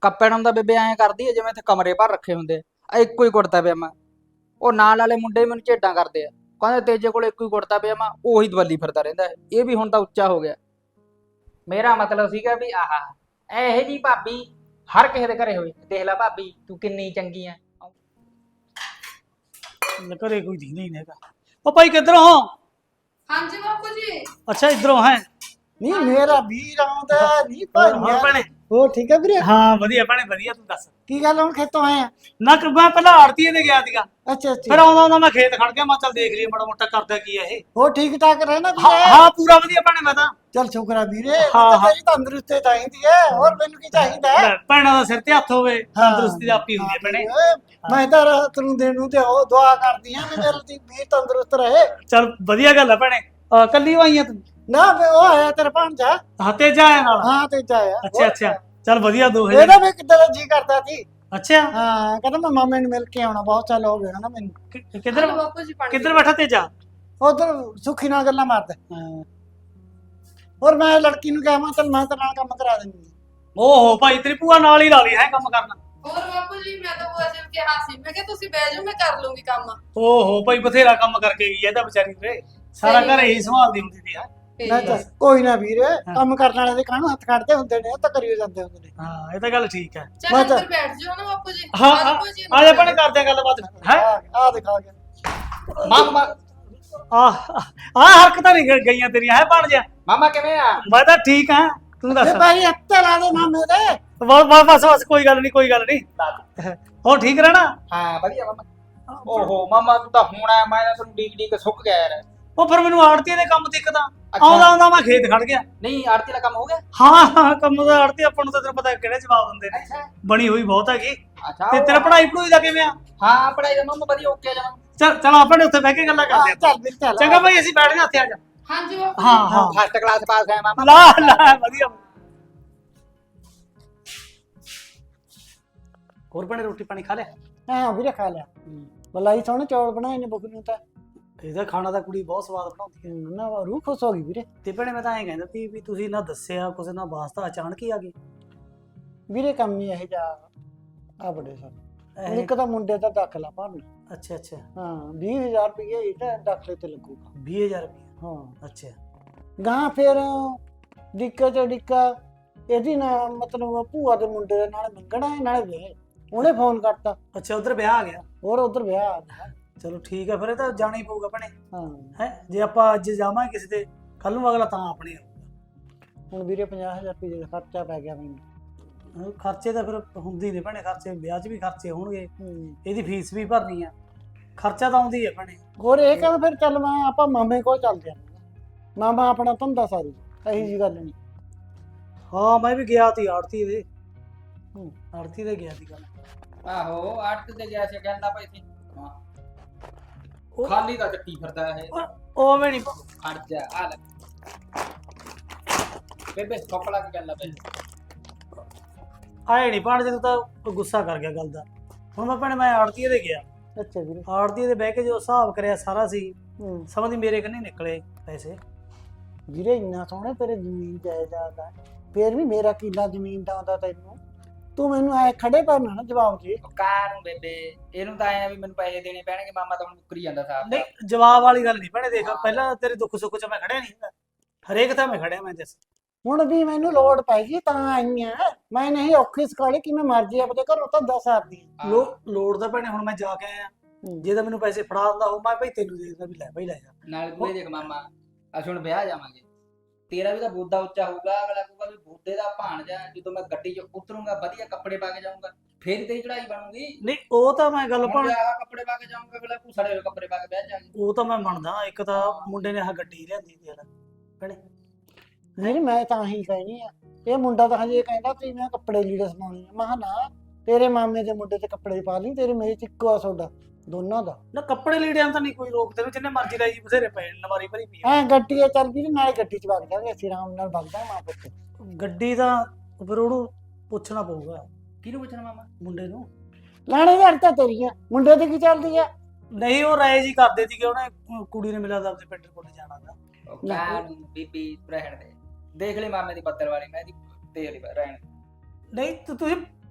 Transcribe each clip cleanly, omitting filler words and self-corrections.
ਕੱਪੜੇ ਨੂੰ ਤਾਂ ਬੇਬੇ ਐਂ ਕਰਦੀ ਹੈ ਜਿਵੇਂ ਇੱਥੇ ਕਮਰੇ ਭਰ ਰੱਖੇ ਹੁੰਦੇ ਆ ਇੱਕੋ ਹੀ ਕੁੜਤਾ ਪਜਾਮਾ। ਉਹ ਨਾਲ ਵਾਲੇ ਮੁੰਡੇ ਮੈਨੂੰ ਝੇਡਾਂ ਕਰਦੇ ਆ, ਕਹਿੰਦੇ ਤੇਜੇ ਕੋਲ ਇੱਕੋ ਹੀ ਕੁੜਤਾ ਪਜਾਮਾ, ਉਹੀ ਦਵੱਲੀ ਫਿਰਦਾ ਰਹਿੰਦਾ ਹੈ। ਇਹ ਵੀ ਹੁਣ ਤਾਂ ਉੱਚਾ ਹੋ ਗਿਆ। ਮੇਰਾ ਮਤਲਬ ਸੀਗਾ ਵੀ ਆਹ ਇਹੋ ਜੀ ਭਾਬੀ ਹਰ ਕਿਸੇ ਦੇ ਘਰੇ ਹੋਵੇ। ਦੇਖ ਲੈ ਭਾਬੀ ਤੂੰ ਕਿੰਨੀ ਚੰਗੀ ਆ। ਘਰੇ ਕੋਈ ਦੀ ਨਹੀਂ ਹੈਗਾ। ਉਹ ਭਾਈ ਕਿੱਧਰੋਂ ਹੋ? ਹਾਂਜੀ ਬਾਪੂ ਜੀ। ਅੱਛਾ ਇਧਰੋਂ ਹੈ। ਨਹੀਂ ਮੇਰਾ ਵੀਰ ਆਉਂਦਾ ਨਹੀਂ ਹੋਰ ਭਾਈਆ। ਭੈਣੇ? ਉਹ ਠੀਕ ਹੈ ਵੀਰੇ? ਹਾਂ ਵਧੀਆ ਭੈਣੇ ਵਧੀਆ, ਤੂੰ ਦੱਸ। ਕੀ ਗੱਲ ਹੁਣ ਖੇਤੋਂ ਆਏ ਆ? ਨਾ ਮੈਂ ਪਹਿਲਾਂ ਆੜਤੀਏ ਤੇ ਗਿਆ ਸੀਗਾ, ਅੱਛਾ ਫਿਰ ਅੱਛਾ। ਆਉਂਦਾ ਮੈਂ ਖੇਤ ਖੜ ਗਿਆ, ਮੈਂ ਚੱਲ ਦੇਖ ਲਈਏ ਮਾੜਾ ਮੋਟਾ ਕਰਦਾ ਕੀ ਆ ਇਹ। ਉਹ ਠੀਕ ਠਾਕ ਰਹਿਣਾ ਹਾਂ ਵੀਰੇ? ਹਾਂ ਪੂਰਾ ਵਧੀਆ ਭੈਣੇ ਮੈਂ ਤਾਂ। ਚੱਲ ਸ਼ੁਕਰ ਆ ਵੀਰੇ, ਹਾਂ, ਤਾਂ ਹਾਂ। ਤੇਰੀ ਤੰਦਰੁਸਤੀ ਚਾਹੀਦੀ ਹੈ, ਹੋਰ ਮੈਨੂੰ ਕੀ ਚਾਹੀਦਾ ਹੈ? ਲੈ, ਭੈਣਾਂ ਦਾ ਸਿਰ ਤੇ ਹੱਥ ਹੋਵੇ, ਤੰਦਰੁਸਤੀ ਦਾ ਆਪੀ ਹੁੰਦੀ ਹੈ ਭੈਣੇ। ਮੈਂ ਤਾਂ ਰਾਤ ਨੂੰ ਦਿਨ ਨੂੰ ਤੇ ਉਹ ਦੁਆ ਕਰਦੀ ਆ ਵੀ ਮੇਰੇ ਦੀ ਵੀਰ ਤੰਦਰੁਸਤ ਰਹੇ। ਚੱਲ ਵਧੀਆ ਗੱਲ ਆ ਭੈਣੇ। ਕੱਲੀ ਆਈਆਂ ਤੂੰ? ਨਾ ਵੀ ਉਹ ਆਇਆ ਤੇਰਾ ਭਾਂਜਾ। ਹਾਂ ਤੇਜਾ ਆਇਆ ਨਾਲ? ਹਾਂ ਤੇ ਜਾਇਆ। ਅੱਛਾ ਅੱਛਾ ਚੱਲ ਵਧੀਆ, ਦੋ ਇਹਦਾ ਵੀ ਕਿੱਦਾਂ ਦਾ ਜੀ ਕਰਦਾ ਸੀ। ਅੱਛਾ ਹਾਂ ਕਹਿੰਦਾ ਮੈਂ ਮਾਮੇ ਨੂੰ ਮਿਲ ਕੇ ਆਉਣਾ, ਬਹੁਤ ਸਾਲ ਹੋ ਗਏ ਨਾ ਮੈਨੂੰ। ਕਿੱਧਰ ਬਾਪੂ ਜੀ ਪਾਣੀ ਕਿੱਧਰ ਬੈਠਾ ਤੇਜਾ? ਉਧਰ ਸੁੱਖੀ ਨਾਲ ਗੱਲਾਂ ਮਾਰਦਾ। ਹੋਰ ਮੈਂ ਲੜਕੀ ਨੂੰ ਕਿਹਾ ਮੈਂ ਚੱਲ ਮੈਂ ਤੇਰੇ ਨਾਲ ਕੰਮ ਕਰਾ ਦਿੰਦੀ। ਓਹੋ ਭਾਈ ਤੇਰੀ ਭੂਆ ਨਾਲ ਹੀ ਲਾ ਲਈ ਹੈ ਕੰਮ ਕਰਨਾ। ਹੋਰ ਬਾਪੂ ਜੀ ਮੈਂ ਤਾਂ ਬੁਆ ਜੀ ਨੂੰ ਕਿਹਾ ਸੀ, ਮੈਂ ਕਿਹਾ ਤੁਸੀਂ ਬਹਿ ਜਾਓ ਮੈਂ ਕਰ ਲੂੰਗੀ ਕੰਮ। ਓਹੋ ਭਾਈ ਬਥੇਰਾ ਕੰਮ ਕਰਕੇ ਗਈ ਐ ਤਾਂ ਵਿਚਾਰੀ ਤੇ, ਸਾਰਾ ਘਰ ਹੀ ਸੰਭਾਲਦੀ ਹੁੰਦੀ ਸੀ। ਮੈਂ ਤਾਂ ਕੋਈ ਨਾ ਵੀਰ, ਕੰਮ ਕਰਨ ਵਾਲੇ ਦੇ ਕਾਹਨੂੰ ਹੱਥ ਕੱਢਦੇ ਹੁੰਦੇ ਨੇ, ਉਹ ਤਾਂ ਕਰੀ ਜਾਂਦੇ ਹੁੰਦੇ ਨੇ। ਹਾਂ ਇਹ ਤਾਂ ਗੱਲ ਠੀਕ ਹੈ। ਚੱਲ ਮੈਂ ਤਾਂ- ਅੰਦਰ ਬੈਠ ਜਾਓ ਨਾ ਬਾਪੂ ਜੀ। ਹਾਂ ਆ ਜਾਓ ਭੂਆ ਜੀ ਆ ਜਾ ਭੈਣੇ ਕਰਦੇ ਆ ਗੱਲਬਾਤ ਹੈ। ਆ ਦਿਖਾ ਗਿਆ ਮਾਮਾ ਆ ਹਰਕਤਾਂ ਨਹੀਂ ਗਈਆਂ ਤੇਰੀਆਂ ਹੈ ਬਣ ਜਾ। ਮਾਮਾ ਕਿਵੇਂ ਆ? ਮੈਂ ਤਾਂ ਠੀਕ ਹਾਂ, ਤੂੰ ਦੱਸ। ਤੇ ਭਾਈ ਹੱਥੇ ਲਾ ਦੇ ਮਾਮੇ ਦੇ। ਬਸ ਕੋਈ ਗੱਲ ਨਹੀਂ ਕੋਈ ਗੱਲ ਨਹੀਂ। ਹੋਰ ਠੀਕ ਰਹਿਣਾ? ਹਾਂ ਵਧੀਆ ਮਾਮਾ। ਓਹੋ ਮਾਮਾ ਤੂੰ ਤਾਂ ਹੁਣ ਆਇਆ, ਮੈਂ ਤਾਂ ਤੈਨੂੰ ਡੀਕ ਡੀਕ ਸੁੱਕ ਗਿਆ ਯਾਰ। ਉਹ ਫਿਰ ਮੈਨੂੰ ਆੜਤੀ ਦੇ ਕੰਮ ਦਿੱਕਤਾਂ ਆਉਂਦਾ ਆਉਂਦਾ ਮੈਂ ਖੇਤ ਖੜ ਗਿਆ। ਨਹੀਂ ਆੜਤੀ ਦਾ ਕੰਮ ਹੋ ਗਿਆ? ਹਾਂ ਕੰਮ ਦਾ ਆੜਤੀ ਆਪਾਂ ਨੂੰ ਤਾਂ ਤੈਨੂੰ ਪਤਾ ਕਿਹੜੇ ਜਵਾਬ ਦਿੰਦੇ ਨੇ, ਅੱਛਾ ਬਣੀ ਹੋਈ ਬਹੁਤ ਹੈਗੀ। ਅੱਛਾ ਤੇ ਤੇਰਾ ਪੜ੍ਹਾਈ ਪੜੂਈ ਦਾ ਕਿਵੇਂ ਆ? ਹਾਂ ਪੜਾਈ ਦਾ ਮਾਮਾ ਵਧੀਆ ਓਕੇ ਜਾਣਾ। ਚੱਲ ਆਪਾਂ ਨੇ ਉੱਥੇ ਬਹਿ ਕੇ ਗੱਲਾਂ ਕਰਦੇ ਆ। ਚੱਲ ਵੀਰ ਚੱਲ। ਚੰਗਾ ਭਾਈ ਅਸੀਂ ਬੈਠ ਗਏ ਉੱਥੇ ਆ ਜਾ। ਹਾਂਜੀ ਬਾਪੂ ਹਾਂ ਹਾਂ ਫਸਟ ਕਲਾਸ ਪਾਸ ਹੈ ਮਾਮਾ। ਲਾ ਵਧੀਆ। ਹੋਰ ਬਣੇ ਰੋਟੀ ਪਾਣੀ ਖਾ ਲਿਆ? ਹਾਂ ਵੀਰੇ ਖਾ ਲਿਆ। ਮਲਾਈ ਸੋਹਣੇ ਚੌਲ ਬਣਾਏ ਨੇ ਬੁੱਕ ਨੂੰ ਤਾਂ। ਇਹਦਾ ਖਾਣਾ ਤਾਂ ਕੁੜੀ ਬਹੁਤ ਸਵਾਦ ਬਣਾਉਂਦੀ ਹੈ। ਨਾ ਰੂਹ ਖੁਸ਼ ਹੋ ਗਈ ਵੀਰੇ। ਤੇ ਭੈਣੇ ਮੈਂ ਤਾਂ ਐਂ ਕਹਿੰਦਾ ਸੀ ਵੀ ਤੁਸੀਂ ਨਾ ਦੱਸਿਆ ਕੁਛ ਨਾ ਵਾਸਤਾ ਅਚਾਨਕ ਹੀ ਆ ਗਈ। ਵੀਰੇ ਕੰਮ ਹੀ ਇਹ ਜਾ ਆ ਬੜੇ ਸਰ। ਇੱਕ ਤਾਂ ਮੁੰਡੇ ਦਾ ਦਾਖਲਾ ਭਰਨਾ। ਅੱਛਾ ਅੱਛਾ ਹਾਂ 20,000 ਰੁਪਏ ਇਹਦਾ ਦਾਖਲੇ ਤੇ ਲੱਗੂਗਾ। 20,000 ਰੁਪਏ? ਹਾਂ ਅੱਛਾ ਗਾਂ ਫਿਰ ਡਿੱਕਾ ਚ ਡਿੱਕਾ ਇਹਦੀ ਨਾ ਮਤਲਬ ਭੂਆ ਦੇ ਮੁੰਡੇ ਦੇ ਨਾਲ ਮੰਗਣਾ ਹੈ ਨਾਲੇ ਵੇ ਉਹਨੇ ਫੋਨ ਕਰਤਾ। ਅੱਛਾ ਉਧਰ ਵਿਆਹ ਆ ਗਿਆ? ਹੋਰ ਉਧਰ ਵਿਆਹ ਆ ਗਿਆ। ਚਲੋ ਠੀਕ ਹੈ ਫਿਰ ਇਹ ਤਾਂ ਜਾਣਾ ਹੀ ਪਊਗਾ ਭੈਣੇ। ਹਾਂ ਹੈ ਜੇ ਆਪਾਂ ਅੱਜ ਜਾਵਾਂਗੇ ਕਿਸੇ ਦੇ, ਕੱਲ ਨੂੰ ਅਗਲਾ ਤਾਂ ਆਪਣੇ ਆਊਗਾ। ਹੁਣ ਵੀਰੇ 50,000 ਰੁਪਏ ਦਾ ਖਰਚਾ ਪੈ ਗਿਆ ਮੈਨੂੰ। ਖਰਚੇ ਤਾਂ ਫਿਰ ਹੁੰਦੀ ਨੇ ਭੈਣੇ, ਖਰਚੇ ਵਿਆਹ 'ਚ ਵੀ ਖਰਚੇ ਹੋਣਗੇ, ਇਹਦੀ ਫੀਸ ਵੀ ਭਰਨੀ ਆ, ਖਰਚਾ ਤਾਂ ਆਉਂਦੀ ਹੈ ਭੈਣੇ। ਹੋਰ ਇਹ ਕਹਿੰਦਾ ਫਿਰ ਚੱਲ ਮੈਂ ਆਪਾਂ ਮਾਮੇ ਕੋਲ ਚੱਲਦੇ ਆ। ਮਾਮਾ ਆਪਣਾ ਧੰਦਾ ਸਾਰੀ ਇਹੀ ਜੀ ਗੱਲ ਨਹੀਂ। ਹਾਂ ਮੈਂ ਵੀ ਗਿਆ ਸੀ ਆੜਤੀ ਦੇ, ਆੜਤੀ ਦੇ ਗਿਆ ਸੀ ਗੱਲ। ਆਹੋ ਆੜਤੀ ਤੇ ਗਿਆ ਸੀ ਕਹਿੰਦਾ ਭਾਈ ਸੀ ਉਹ- ਖਾਲੀ ਦਾ ਚੱਕੀ ਫਿਰਦਾ ਇਹ। ਉਹ ਮੈਂ ਨਹੀਂ ਖੜ ਜਾ ਆ ਲੈ ਬੇਬੇ ਕੱਪੜਾ ਕੀ ਗੱਲ ਆ ਬੇ। ਆਏ ਨਹੀਂ ਪਾਣ ਜੇ ਤੂੰ ਤਾਂ ਗੁੱਸਾ ਕਰ ਗਿਆ ਗੱਲ ਦਾ। ਹੁਣ ਮੈਂ ਭੈਣੇ ਮੈਂ ਆੜਤੀ ਦੇ ਗਿਆ, ਅੱਛਾ ਵੀਰੇ। ਆੜਤੀ ਦੇ ਬਹਿ ਕੇ ਜੋ ਹਿਸਾਬ ਕਰਿਆ ਸਾਰਾ ਸੀ, ਸਮਝੀ ਮੇਰੇ ਕੰਨੀ ਨਿਕਲੇ ਪੈਸੇ। ਵੀਰੇ ਇੰਨਾ ਸੋਹਣਾ ਤੇਰੇ ਜ਼ਮੀਨ ਜਾਇਦਾਦ ਆ, ਫੇਰ ਵੀ ਮੇਰਾ ਕਿੱਲਾ ਜ਼ਮੀਨ ਦਾ ਆਉਂਦਾ ਤੈਨੂੰ। ਤੂੰ ਮੈਨੂੰ ਐ ਖੜੇ ਪੈਣਾ ਨਾ ਜਵਾਬ ਜੀ। ਕਾਰ ਨੂੰ ਬੇਬੇ ਇਹਨੂੰ ਤਾਂ ਆਇਆ ਵੀ ਮੈਨੂੰ ਪੈਸੇ ਦੇਣੇ ਪੈਣਗੇ। ਮਾਮਾ ਤਾਂ ਹੁਣ ਮੁੱਕਰੀ ਜਾਂਦਾ ਸਾਹਿਬ। ਨਹੀਂ ਜਵਾਬ ਵਾਲੀ ਗੱਲ ਨਹੀਂ ਭੈਣੇ, ਦੇਖ ਪਹਿਲਾਂ ਤੇਰੇ ਦੁੱਖ ਸੁੱਖ 'ਚ ਮੈਂ ਖੜਿਆ ਨਹੀਂ ਹੁੰਦਾ, ਹਰੇਕ ਤਾਂ ਮੈਂ ਖੜਿਆ। ਮੈਂ ਦੱਸ ਹੁਣ ਵੀ ਮੈਨੂੰ ਲੋੜ ਪੈਗੀ ਤਾਂ ਆਈਆਂ। ਮੈਂ ਨਹੀਂ ਔਖੀ ਸਕਾਲੇ ਕਿ ਮੈਂ ਮਰਜੀ ਆਪਦੇ ਘਰੋਂ ਤਾਂ 10 ਆਰਦੀ। ਲੋੜ ਤਾਂ ਭੈਣੇ ਹੁਣ ਮੈਂ ਜਾ ਕੇ ਆਇਆ, ਜੇ ਤਾਂ ਮੈਨੂੰ ਪੈਸੇ ਫੜਾ ਦਿੰਦਾ ਉਹ ਮੈਂ ਭਾਈ ਤੈਨੂੰ ਦੇ ਦਿੰਦਾ ਵੀ ਲੈ ਭਾਈ ਲੈ ਜਾ। ਨਾਲ ਤੂੰ ਇਹ ਦੇਖ ਮਾਮਾ ਅਸੀਂ ਹੁਣ ਵਿਆਹ ਜਾਵਾਂਗੇ, ਤੇਰਾ ਵੀ ਤਾਂ ਬੋਦਾ ਉੱਚਾ ਹੋਊਗਾ। ਅਗਲਾ ਕਹੂਗਾ ਵੀ ਬੋਦੇ ਦਾ ਭਾਣਜਾ, ਜਦੋਂ ਮੈਂ ਗੱਡੀ 'ਚ ਉਤਰੂੰਗਾ ਵਧੀਆ ਕੱਪੜੇ ਪਾ ਕੇ ਜਾਊਂਗਾ ਫੇਰ ਤੇਰੀ ਚੜਾਈ ਬਣੂਗੀ। ਨਹੀਂ ਉਹ ਤਾਂ ਮੈਂ ਗੱਲ ਹੁਣ ਆਹ ਕੱਪੜੇ ਪਾ ਕੇ ਜਾਊਂਗਾ, ਅਗਲਾ ਸੜੇ ਹੋਏ ਕੱਪੜੇ ਪਾ ਕੇ ਬਹਿ ਜਾਗੇ। ਉਹ ਤਾਂ ਮੈਂ ਮੰਨਦਾ, ਇੱਕ ਤਾਂ ਮੁੰਡੇ ਨੇ ਆਹ ਗੱਡੀ ਲਿਆਂਦੀ ਸੀ ਭੈਣੇ। ਨਹੀਂ ਮੈਂ ਤਾਂ ਹੀ ਕਹਿਣੀ ਆ। ਇਹ ਮੁੰਡਾ ਤਾਂ ਹਜੇ ਕਹਿੰਦਾ ਸੀ ਮੈਂ ਕੱਪੜੇ ਲੀੜੇ ਸਮਾਉਣੇ ਆ। ਮੈਂ ਕਿਹਾ ਨਾ ਤੇਰੇ ਮਾਮੇ ਦੇ ਮੁੰਡੇ ਤੇ ਕੱਪੜੇ ਪਾ ਲਈ, ਤੇਰੇ ਮੇਰੇ ਚ ਇੱਕੋ ਆ ਸੋਡਾ ਦੋਨਾਂ ਦਾ। ਨਾ ਕੱਪੜੇ ਲੀੜਿਆਂ ਤਾਂ ਨਹੀਂ ਕੋਈ ਰੋਕ, ਤੈਨੂੰ ਜਿੰਨੇ ਮਰਜ਼ੀ ਲੈ ਜੀ, ਬਥੇਰੇ ਪਏ ਨਵਾਰੀ ਭਰੀ ਪਈ ਐ ਗੱਡੀ ਆ ਚੱਲ ਵੀਰੇ, ਨਾਲੇ ਗੱਡੀ ਚ ਵਗ ਜਾਵਾਂਗੇ ਅਸੀਂ ਆਰਾਮ ਨਾਲ ਵਗਦਾ ਮਾਂ ਪੁੱਤ। ਗੱਡੀ ਤਾਂ ਫਿਰ ਉਹਨੂੰ ਪੁੱਛਣਾ ਪਊਗਾ। ਕਿਹਨੂੰ ਪੁੱਛਣਾ ਮਾਮਾ? ਮੁੰਡੇ ਨੂੰ। ਲਾਣੇ ਯਾਰ ਤਾਂ ਤੇਰੀਆਂ ਮੁੰਡੇ ਤੇ ਕੀ ਚੱਲਦੀ ਆ? ਨਹੀਂ ਉਹ ਰਾਏ ਜੀ ਕਰਦੇ ਸੀਗੇ, ਉਹਨੇ ਕੁੜੀ ਨੇ ਮਿਲਿਆ ਤਾਂ ਆਪਣੇ ਪਿੰਡ ਕੋਲ ਜਾਣਾ ਦਾ। ਕਾਰ ਨੂੰ ਬੀਬੀ ਰਹਿਣ ਦੇ, ਦੇਖ ਲੈ ਮਾਮੇ ਦੀ ਪੱਤਰ ਵਾਲੀ, ਮੈਂ ਦੀ ਦੇ ਲਈ ਰਹਿਣ। ਨਹੀਂ ਤੁਸੀਂ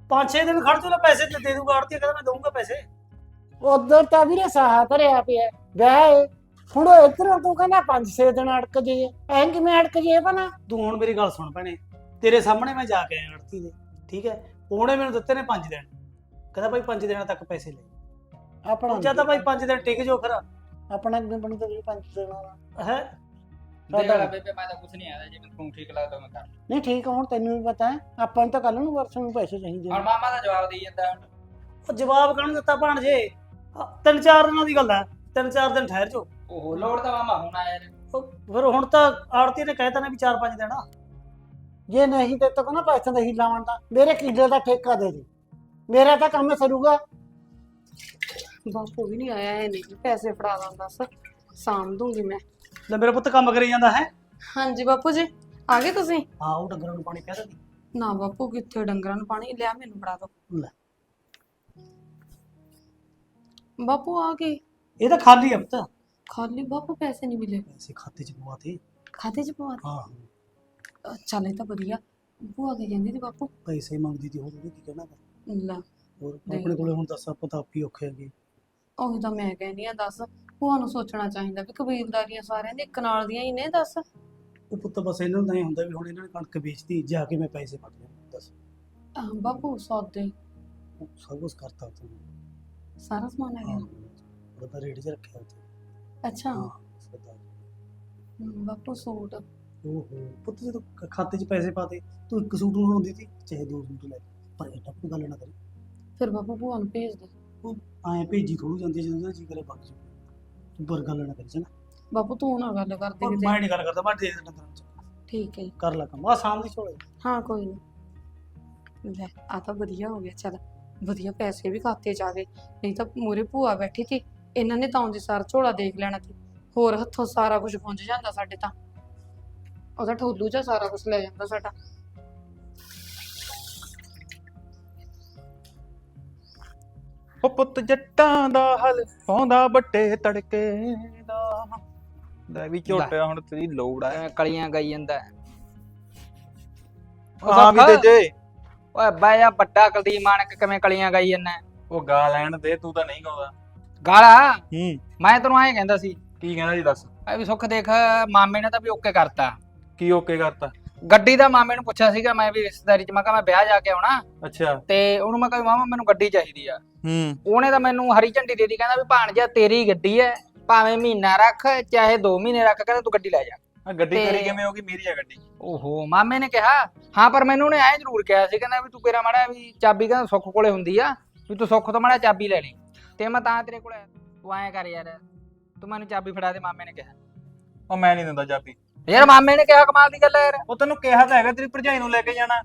5-6 ਦਿਨ ਖੜ ਜਾ, ਪੈਸੇ ਤੇ ਦੇ ਦੂਗਾ ਆੜਤੀ, ਕਹਿੰਦਾ ਮੈਂ ਦਊਂਗਾ ਪੈਸੇ। ਉਧਰ ਤਾਂ ਵੀਰੇ ਸਾਹਾ ਧਰਿਆ ਪਿਆ ਵਿਆਹ ਏ, ਹੁਣ ਉਹ ਇੱਧਰ ਤੂੰ ਕਹਿੰਦਾ 5-6 ਦਿਨ ਅੜਕ ਜਾਈਏ, ਐਂ ਕਿਵੇਂ ਅੜਕ ਜਾਈਏ ਭਲਾ? ਤੂੰ ਹੁਣ ਮੇਰੀ ਗੱਲ ਸੁਣ ਭੈਣੇ, ਤੇਰੇ ਸਾਹਮਣੇ ਮੈਂ ਜਾ ਕੇ ਆਇਆ ਆੜਤੀ ਦੇ, ਠੀਕ ਹੈ, ਉਹਨੇ ਮੈਨੂੰ ਦਿੱਤੇ ਨੇ 5 ਦਿਨ, ਕਹਿੰਦਾ ਭਾਈ 5 ਦਿਨਾਂ ਤੱਕ ਪੈਸੇ ਲੈ। ਆਪਣਾ ਜਾਂ ਤਾਂ ਭਾਈ 5 ਦਿਨ ਟਿਕ ਜਾਓ ਫਿਰ। ਆਪਣਾ ਕਿਵੇਂ ਬਣੂ ਤਾਂ 5 ਦਿਨ ਵਾਲਾ ਹੈ ਦੇਖ ਲੈ ਬੇਬੇ, ਮੈਂ ਤਾਂ ਕੁਝ ਨਹੀਂ ਆਦਾ, ਜੇ ਤੈਨੂੰ ਠੀਕ ਲੱਗਦਾ ਮੈਂ ਕਰ। ਨਹੀਂ ਠੀਕ ਆ, ਹੁਣ ਤੈਨੂੰ ਵੀ ਪਤਾ ਹੈ ਆਪਾਂ ਨੂੰ ਤਾਂ ਕੱਲ ਨੂੰ ਵਰਸ ਨੂੰ ਪੈਸੇ ਚਾਹੀਦੇ ਹੁਣ ਨੇ। ਮਾਮਾ ਦਾ ਜਵਾਬ ਦੇਈ ਜਾਂਦਾ ਹੁਣ। ਉਹ ਜਵਾਬ ਕਾਹਨੂੰ ਦਿੱਤਾ ਭਾਣਜੇ, 3-4 ਦਿਨਾਂ ਦੀ ਗੱਲ ਹੈ, 3-4 ਦਿਨ ਠਹਿਰ ਜਾਓ। ਓਹੋ ਲੋੜ ਤਾਂ ਮਾਮਾ ਹੁਣ ਆਇਆ ਨੇ। ਫਿਰ ਹੁਣ ਤਾਂ ਆੜਤੀ ਨੇ ਕਹਿਤਾ ਨੇ ਵੀ 4-5 ਦਿਨ। ਜੇ ਨਹੀਂ ਤੇ ਤਾਂ ਨਾ ਪੈਸੇ ਨਹੀਂ ਲਾਉਣ ਦਾ, ਮੇਰੇ ਕਿੱਲੇ ਦਾ ਠੇਕਾ ਦੇ ਦੇ, ਮੇਰਾ ਤਾਂ ਕੰਮ ਸਰੂਗਾ। ਬਾਪੂ ਵੀ ਨਹੀਂ ਆਇਆ ਹੈ, ਨਹੀਂ ਪੈਸੇ ਫੜਾ ਦਾਂ ਦੱਸ, ਸਾਂਭ ਦੂੰਗੀ ਮੈਂ। ਲੈ ਮੇਰਾ ਪੁੱਤ ਕੰਮ ਕਰੀ ਜਾਂਦਾ ਹੈ। ਹਾਂਜੀ ਬਾਪੂ ਜੀ, ਆ ਗਏ ਤੁਸੀਂ? ਹਾਂ, ਉਹ ਡੰਗਰਾਂ ਨੂੰ ਪਾਣੀ ਪਿਆ ਦਿੰਦੀ। ਨਾ ਬਾਪੂ, ਕਿੱਥੇ ਡੰਗਰਾਂ ਨੂੰ ਪਾਣੀ ਲਿਆ, ਮੈਨੂੰ ਫੜਾ ਦੋ। ਲੈ ਬਾਪੂ ਆ ਗਏ? ਇਹ ਤਾਂ ਖਾਲੀ ਹੈ ਪੁੱਤ। ਖਾਲੀ ਬਾਪੂ, ਪੈਸੇ ਨਹੀਂ ਮਿਲੇ? ਪੈਸੇ ਖਾਤੇ ਚ ਪਵਾਤੇ। ਖਾਤੇ ਚ ਪਵਾ ਹਾਂ, ਦੇ? ਚੱਲ ਇਹ ਤਾਂ ਵਧੀਆ। ਭੂਆ ਕੀ ਕਹਿੰਦੀ ਸੀ ਬਾਪੂ? ਪੈਸੇ ਮੰਗਦੀ ਤੀ, ਹੋਰ ਉਹਨੇ ਕੀ ਕਹਿਣਾ। ਲੈ ਹੋਰ ਆਪਣੇ ਕੋਲੇ ਹੁਣ ਦੱਸ, ਆਪਾਂ ਤਾਂ ਆਪ ਹੀ ਔਖੇ ਹੈਗੇ। ਉਹੀ ਤਾਂ ਮੈਂ ਕਹਿੰਦੀ ਆ, ਦੱਸ ਭੂਆ ਨੂੰ ਸੋਚਣਾ ਚਾਹੀਦਾ ਵੀ ਕਬੀਲਦਾਰੀਆਂ ਸਾਰਿਆਂ ਦੇ ਇੱਕ ਨਾਲ ਦੀਆਂ ਹੀ ਨੇ, ਦੱਸ। ਉਹ ਪੁੱਤ ਬਸ ਇਹਨਾਂ ਨੂੰ ਤਾਂ ਇਹ ਹੁੰਦਾ ਵੀ ਹੁਣ ਇਹਨਾਂ ਨੇ ਕਣਕ ਵੇਚਤੀ, ਜਾ ਕੇ ਮੈਂ ਪੈਸੇ ਫੜ ਲਿਆ। ਦੱਸ ਬਾਪੂ ਸੌਦੇ ਉਹ ਸਭ ਕੁਝ ਕਰਤਾ ਤੂੰ। ਸਾਰਾ ਸਮਾਨ ਆ ਹਾਂ, ਗਿਆ? ਉਹਦਾ ਰੇਟ 'ਚ ਰੱਖਿਆ ਉੱਥੇ। ਅੱਛਾ। ਹਾਂ ਸਦਾ। ਬਾਪੂ ਸੂਟ? ਓਹੋ ਪੁੱਤ, ਜਦੋਂ ਖਾਤੇ 'ਚ ਪੈਸੇ ਪਾਤੇ, ਤੂੰ ਇੱਕ ਸੂਟ ਨੂੰ ਲਾਉਂਦੀ ਸੀ, ਚਾਹੇ 2 ਸੂਟ ਲੈ, ਪਰ ਇਹ ਕੋਈ ਗੱਲ ਨਾ ਕਰੀ। ਫਿਰ ਬਾਪੂ ਭੂਆ ਨੂੰ ਭੇਜ ਦੇ। ਐਂ ਭੇਜੀ ਥੋੜੂ ਜਾਂਦੀ, ਜਦੋਂ ਉਹਦਾ ਜੀ ਕਰੇ ਵਗ ਜਾਊ। ਤੂੰ ਪਰ ਗੱਲ ਨਾ ਕਰੀ ਚੰਗਾ। ਬਾਪੂ ਤੂੰ ਨਾ ਗੱਲ ਕਰਦੇ ਕਿਤੇ। ਮੈਂ ਨਹੀਂ ਗੱਲ ਕਰਦਾ, ਮੈਂ ਦੇ ਦਿੰਦਾ ਤੈਨੂੰ। ਠੀਕ ਹੈ ਜੀ। ਕਰ ਲੈ ਕੰਮ, ਆ ਸ਼ਾਮ ਦੀ ਝੋਲੇ। ਹਾਂ ਕੋਈ ਨਹੀਂ। ਲੈ ਆ ਤਾਂ ਵਧੀਆ ਹੋ ਗਿਆ, ਚੱਲ ਵਧੀਆ ਪੈਸੇ ਵੀ ਖਾਤੇ 'ਚ ਆ ਗਏ, ਨਹੀਂ ਤਾਂ ਮੂਰੇ ਭੂਆ ਬੈਠੀ ਸੀ, ਇਹਨਾਂ ਨੇ ਤਾਂ ਆਉਂਦੇ ਸਾਰ ਝੋਲਾ ਦੇਖ ਲੈਣਾ ਸੀ, ਹੋਰ ਹੱਥੋਂ ਸਾਰਾ ਕੁਝ ਪੁੰਜ ਜਾਂਦਾ ਸਾਡੇ ਤਾਂ। ਉਹਦਾ ਠੋਲੂ 'ਚ ਸਾਰਾ ਕੁਝ ਲੈ ਜਾਂਦਾ ਸਾਡਾ। ਉਹ ਪੁੱਤ ਜੱਟਾਂ ਦਾ ਹਲ ਪਾਉਂਦਾ ਬੱਟੇ ਤੜਕੇ ਦਾ। ਲੈ ਵੀ ਝੋਟਿਆ, ਹੁਣ ਤੇਰੀ ਲੋੜ ਆ। ਐਵੇਂ ਕਲੀਆਂ ਗਾਈ ਜਾਂਦਾ ਹੈ। ਹਾਂ ਵੀ ਤੇ ਜੇ ਓਏ ਬਾਈ ਆ ਵੱਡਾ ਕੁਲਦੀਪ ਮਾਨਕ ਕਿਵੇਂ ਕਲੀਆਂ ਗਾਈ ਜਾਂਦਾ? ਉਹ ਗਾ ਲੈਣ ਦੇ, ਤੂੰ ਤਾਂ ਨਹੀਂ ਗਾਉਂਦਾ। ਗਾਲਾ ਹੂੰ, ਮੈਂ ਤੈਨੂੰ ਐਂ ਕਹਿੰਦਾ ਸੀ, ਕੀ ਕਹਿੰਦਾ ਜੀ ਦੱਸ। ਐ ਵੀ ਸੁੱਖ ਦੇਖ, ਮਾਮੇ ਨੇ ਤਾਂ ਵੀ ਓਕੇ ਕਰਤਾ ਕੀ ਓਕੇ ਕਰਤਾ? ਗੱਡੀ ਦਾ। ਮਾਮੇ ਨੂੰ ਪੁੱਛਿਆ ਸੀਗਾ ਮੈਂ ਵੀ ਰਿਸ਼ਤੇਦਾਰੀ ਚ, ਮੈਂ ਕਿਹਾ ਮੈਂ ਵਿਆਹ ਜਾ ਕੇ ਆਉਣਾ, ਅੱਛਾ। ਤੇ ਉਹਨੂੰ ਮੈਂ ਕਿਹਾ ਮਾਮਾ ਮੈਨੂੰ ਗੱਡੀ ਚਾਹੀਦੀ ਆ। ਹੂੰ, ਉਹਨੇ ਤਾਂ ਮੈਨੂੰ ਹਰੀ ਝੰਡੀ ਦੇ ਦਿੱਤੀ, ਕਹਿੰਦਾ ਵੀ ਭਾਣਜਾ ਤੇਰੀ ਗੱਡੀ ਐ, ਭਾਵੇਂ ਮਹੀਨਾ ਰੱਖ ਚਾਹੇ 2 ਮਹੀਨੇ ਰੱਖ, ਕਹਿੰਦਾ ਤੂੰ ਗੱਡੀ ਲੈ ਜਾ। ਆ ਗੱਡੀ ਤੇ- ਤੇਰੀ ਕਿਵੇਂ ਹੋ ਗਈ? ਮੇਰੀ ਆ ਗੱਡੀ। ਓਹੋ ਮਾਮੇ ਨੇ ਕਿਹਾ ਹਾਂ, ਪਰ ਮੈਨੂੰ ਉਹਨੇ ਐਂ ਜ਼ਰੂਰ ਕਿਹਾ ਸੀ, ਕਹਿੰਦਾ ਵੀ ਤੂੰ ਕਿਹੜਾ ਮਾੜਾ ਵੀ ਚਾਬੀ, ਕਹਿੰਦਾ ਸੁੱਖ ਕੋਲੇ ਹੁੰਦੀ ਆ, ਵੀ ਤੂੰ ਸੁੱਖ ਤੋਂ ਮਾੜਾ ਚਾਬੀ ਲੈ ਲਈ, ਤੇ ਮੈਂ ਤਾਂ ਤੇਰੇ ਕੋਲ ਆਇਆ। ਤੂੰ ਐਂ ਕਰ ਯਾਰ, ਤੂੰ ਮੈਨੂੰ ਚਾਬੀ ਫੜਾ ਦੇ, ਮਾਮੇ ਨੇ ਕਿਹਾ। ਉਹ ਮੈਂ ਨਹੀਂ ਦਿੰਦਾ ਚਾਬੀ। ਯਾਰ ਮਾਮੇ ਨੇ ਕਿਹਾ, ਕਮਾਲ ਦੀ ਗੱਲ ਹੈ ਯਾਰ। ਉਹ ਤੈਨੂੰ ਕਿਹਾ ਤਾਂ ਹੈਗਾ ਤੇਰੀ ਭਰਜਾਈ ਨੂੰ ਲੈ ਕੇ ਜਾਣਾ।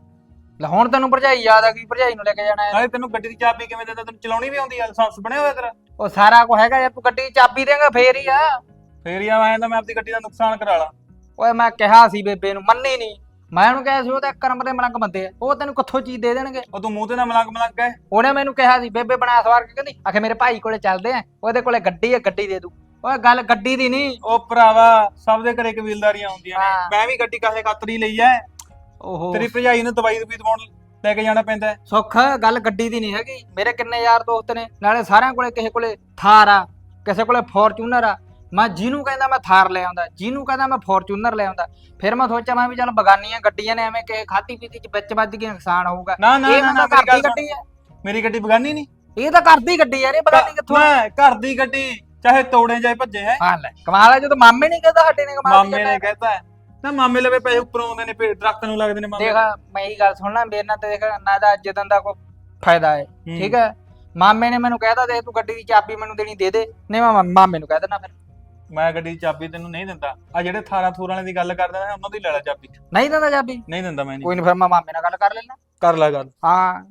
ਲੈ ਹੁਣ ਤੈਨੂੰ ਭਰਜਾਈ ਯਾਦ ਆ ਗਈ, ਭਰਜਾਈ ਨੂੰ ਲੈ ਕੇ ਜਾਣਾ ਹੈ। ਨਾਲੇ ਤੈਨੂੰ ਗੱਡੀ ਦੀ ਚਾਬੀ ਕਿਵੇਂ ਦਿੰਦਾ? ਤੈਨੂੰ ਚਲਾਉਣੀ ਵੀ ਆਉਂਦੀ ਆ? ਲਾਇਸੈਂਸ ਬਣਿਆ ਹੋਇਆ ਤੇਰਾ? ਉਹ ਸਾਰਾ ਕੁਝ ਹੈਗਾ ਯਾਰ, ਤੂੰ ਗੱਡੀ ਦੀ ਚਾਬੀ ਦੇਂਗਾ ਫੇਰ ਹੀ ਆ। ਫੇਰ ਯਾਰ ਐਂ ਤਾਂ ਮੈਂ ਆਪਣੀ ਗੱਡੀ ਦਾ ਨੁਕਸਾਨ ਕਰਾ ਲਾ। ਓਏ ਮੈਂ ਕਿਹਾ ਸੀ ਬੇਬੇ ਨੂੰ, ਮੰਨੀ ਨਹੀਂ। ਮੈਂ ਉਹਨੂੰ ਕਿਹਾ ਸੀ ਉਹ ਤਾਂ ਕਰਮ ਦੇ ਮਲੰਗ ਬੰਦੇ ਆ, ਉਹ ਤੈਨੂੰ ਕਿੱਥੋਂ ਚੀਜ਼ ਦੇ ਦੇਣਗੇ। ਉਹ ਤੂੰ ਮੂੰਹ ਤੇ ਨਾ ਮਲੰਗ ਮਲੰਗ ਕਹੇ। ਉਹਨੇ ਮੈਨੂੰ ਕਿਹਾ ਸੀ ਬੇਬੇ ਬਣਾ ਸਵਾਰ ਕੇ, ਕਹਿੰਦੀ ਆਖੇ ਮੇਰੇ ਭਾਈ ਕੋਲੇ ਚੱਲਦੇ ਆ, ਉਹਦੇ ਕੋਲੇ ਗੱਡੀ ਆ, ਗੱਡੀ ਦੇ ਦੂ। ਓਏ ਗੱਲ ਗੱਡੀ ਦੀ ਨਹੀਂ। ਉਹ ਭਰਾਵਾ, ਸਭ ਦੇ ਘਰੇ ਕਬੀਲਦਾਰੀਆਂ ਹੁੰਦੀਆਂ ਨੇ। ਹਾਂ। ਮੈਂ ਵੀ ਗੱਡੀ ਕਾਹੇ ਖਾਤਰ ਹੀ ਲਈ ਐ। ਓਹੋ ਤੇਰੀ ਭਰਜਾਈ ਨੂੰ ਦਵਾਈ ਦਵਾਉਣ ਲੈ ਕੇ ਜਾਣਾ ਪੈਂਦਾ। ਸੁੱਖ, ਗੱਲ ਗੱਡੀ ਦੀ ਨਹੀਂ ਹੈਗੀ। ਮੇਰੇ ਕਿੰਨੇ ਯਾਰ ਦੋਸਤ ਨੇ, ਨਾਲੇ ਸਾਰਿਆਂ ਕੋਲੇ ਕਿਸੇ ਕੋਲੇ ਥਾਰ ਆ, ਕਿਸੇ ਕੋਲੇ ਫੋਰਚੂਨਰ ਆ। ਮੈਂ ਜਿਹਨੂੰ ਕਹਿੰਦਾ ਮੈਂ ਥਾਰ ਲੈ ਆਉਂਦਾ, ਜਿਹਨੂੰ ਕਹਿੰਦਾ ਮੈਂ ਫੋਰਚੂਨਰ ਲੈ ਆਉਂਦਾ। ਫਿਰ ਮੈਂ ਸੋਚਿਆ ਮੈਂ ਵੀ ਚੱਲ ਬਗਾਨੀਆਂ ਗੱਡੀਆਂ ਨੇ, ਐਵੇਂ ਕਿਸੇ ਖਾਤੀ ਪੀਤੀ ਚ ਵਿੱਚ ਵੱਜ ਕੇ ਨੁਕਸਾਨ ਹੋਊਗਾ। ਨਾ ਨਾ ਇਹ ਨਾ, ਮੈਂ ਮੇਰੀ ਘਰ ਗੱਲ ਦੀ ਸੁਣ। ਗੱਡੀ ਆ, ਮੇਰੀ ਗੱਡੀ ਬਗਾਨੀ ਨਹੀਂ। ਇਹ ਤਾਂ ਘਰ ਦੀ ਗੱਡੀ ਯਾਰ, ਇਹ ਬਗਾਨੀ ਕਿੱਥੋਂ ਆ? ਮੈਂ ਘਰ ਦੀ ਗੱਡੀ, ਚਾਹੇ ਤੋੜੇ ਜਾਏ ਭੱਜੇ ਹੈ। ਹਾਂ ਲੈ ਕਮਾਲ ਆ, ਜਦੋਂ ਮਾਮੇ ਨਹੀਂ ਕਹਿੰਦਾ ਸਾਡੇ ਨੇ ਕਮਾਲ ਦੀ ਮਾਮੇ ਗੱਲ ਨੇ ਆ। ਕਹਿਤਾ ਹੈ ਨਾ, ਮਾਮੇ ਲਵੇ ਪੈਸੇ ਉੱਪਰੋਂ ਆਉਂਦੇ ਨੇ, ਦਰਖਤ ਨੂੰ ਲੱਗਦੇ ਨੇ ਮਾਮੇ। ਦੇਖ ਮੈਂ ਇਹ ਗੱਲ ਸੁਣਨਾ, ਮੇਰੇ ਨਾਲ ਤੇ ਦੇਖ ਨਾ ਦਾ ਜਦਨ ਦਾ ਕੋਈ ਫਾਇਦਾ ਹੈ, ਠੀਕ ਹੈ। ਮਾਮੇ ਨੇ ਮੈਨੂੰ ਕਹਿਤਾ ਦੇਖ ਤੂੰ ਗੱਡੀ ਦੀ ਚਾਬੀ ਮੈਨੂੰ ਦੇਣੀ ਦੇ ਦੇ, ਨਹੀਂ ਮੈਂ ਮਾਮੇ ਨੂੰ ਕਹਿ ਦੇਣਾ। ਫਿਰ ਮੈਂ ਗੱਡੀ ਦੀ ਚਾਬੀ ਤੈਨੂੰ ਨਹੀਂ ਦਿੰਦਾ। ਆ ਜਿਹੜੇ 18 ਥੂਰ ਵਾਲਿਆਂ ਦੀ ਗੱਲ ਕਰਦਾ ਨਾ, ਉਹਨਾਂ ਦੀ ਲੈ ਲੈ ਚਾਬੀ। ਨਹੀਂ ਦਿੰਦਾ ਚਾਬੀ? ਨਹੀਂ ਦਿੰਦਾ ਮੈਂ। ਨਹੀਂ ਕੋਈ ਨਹੀਂ, ਫਿਰ ਮੈਂ ਮਾਮੇ ਨਾਲ ਗੱਲ ਕਰ ਲੈਣਾ। ਕਰ ਲੈ ਗੱਲ। ਹਾਂ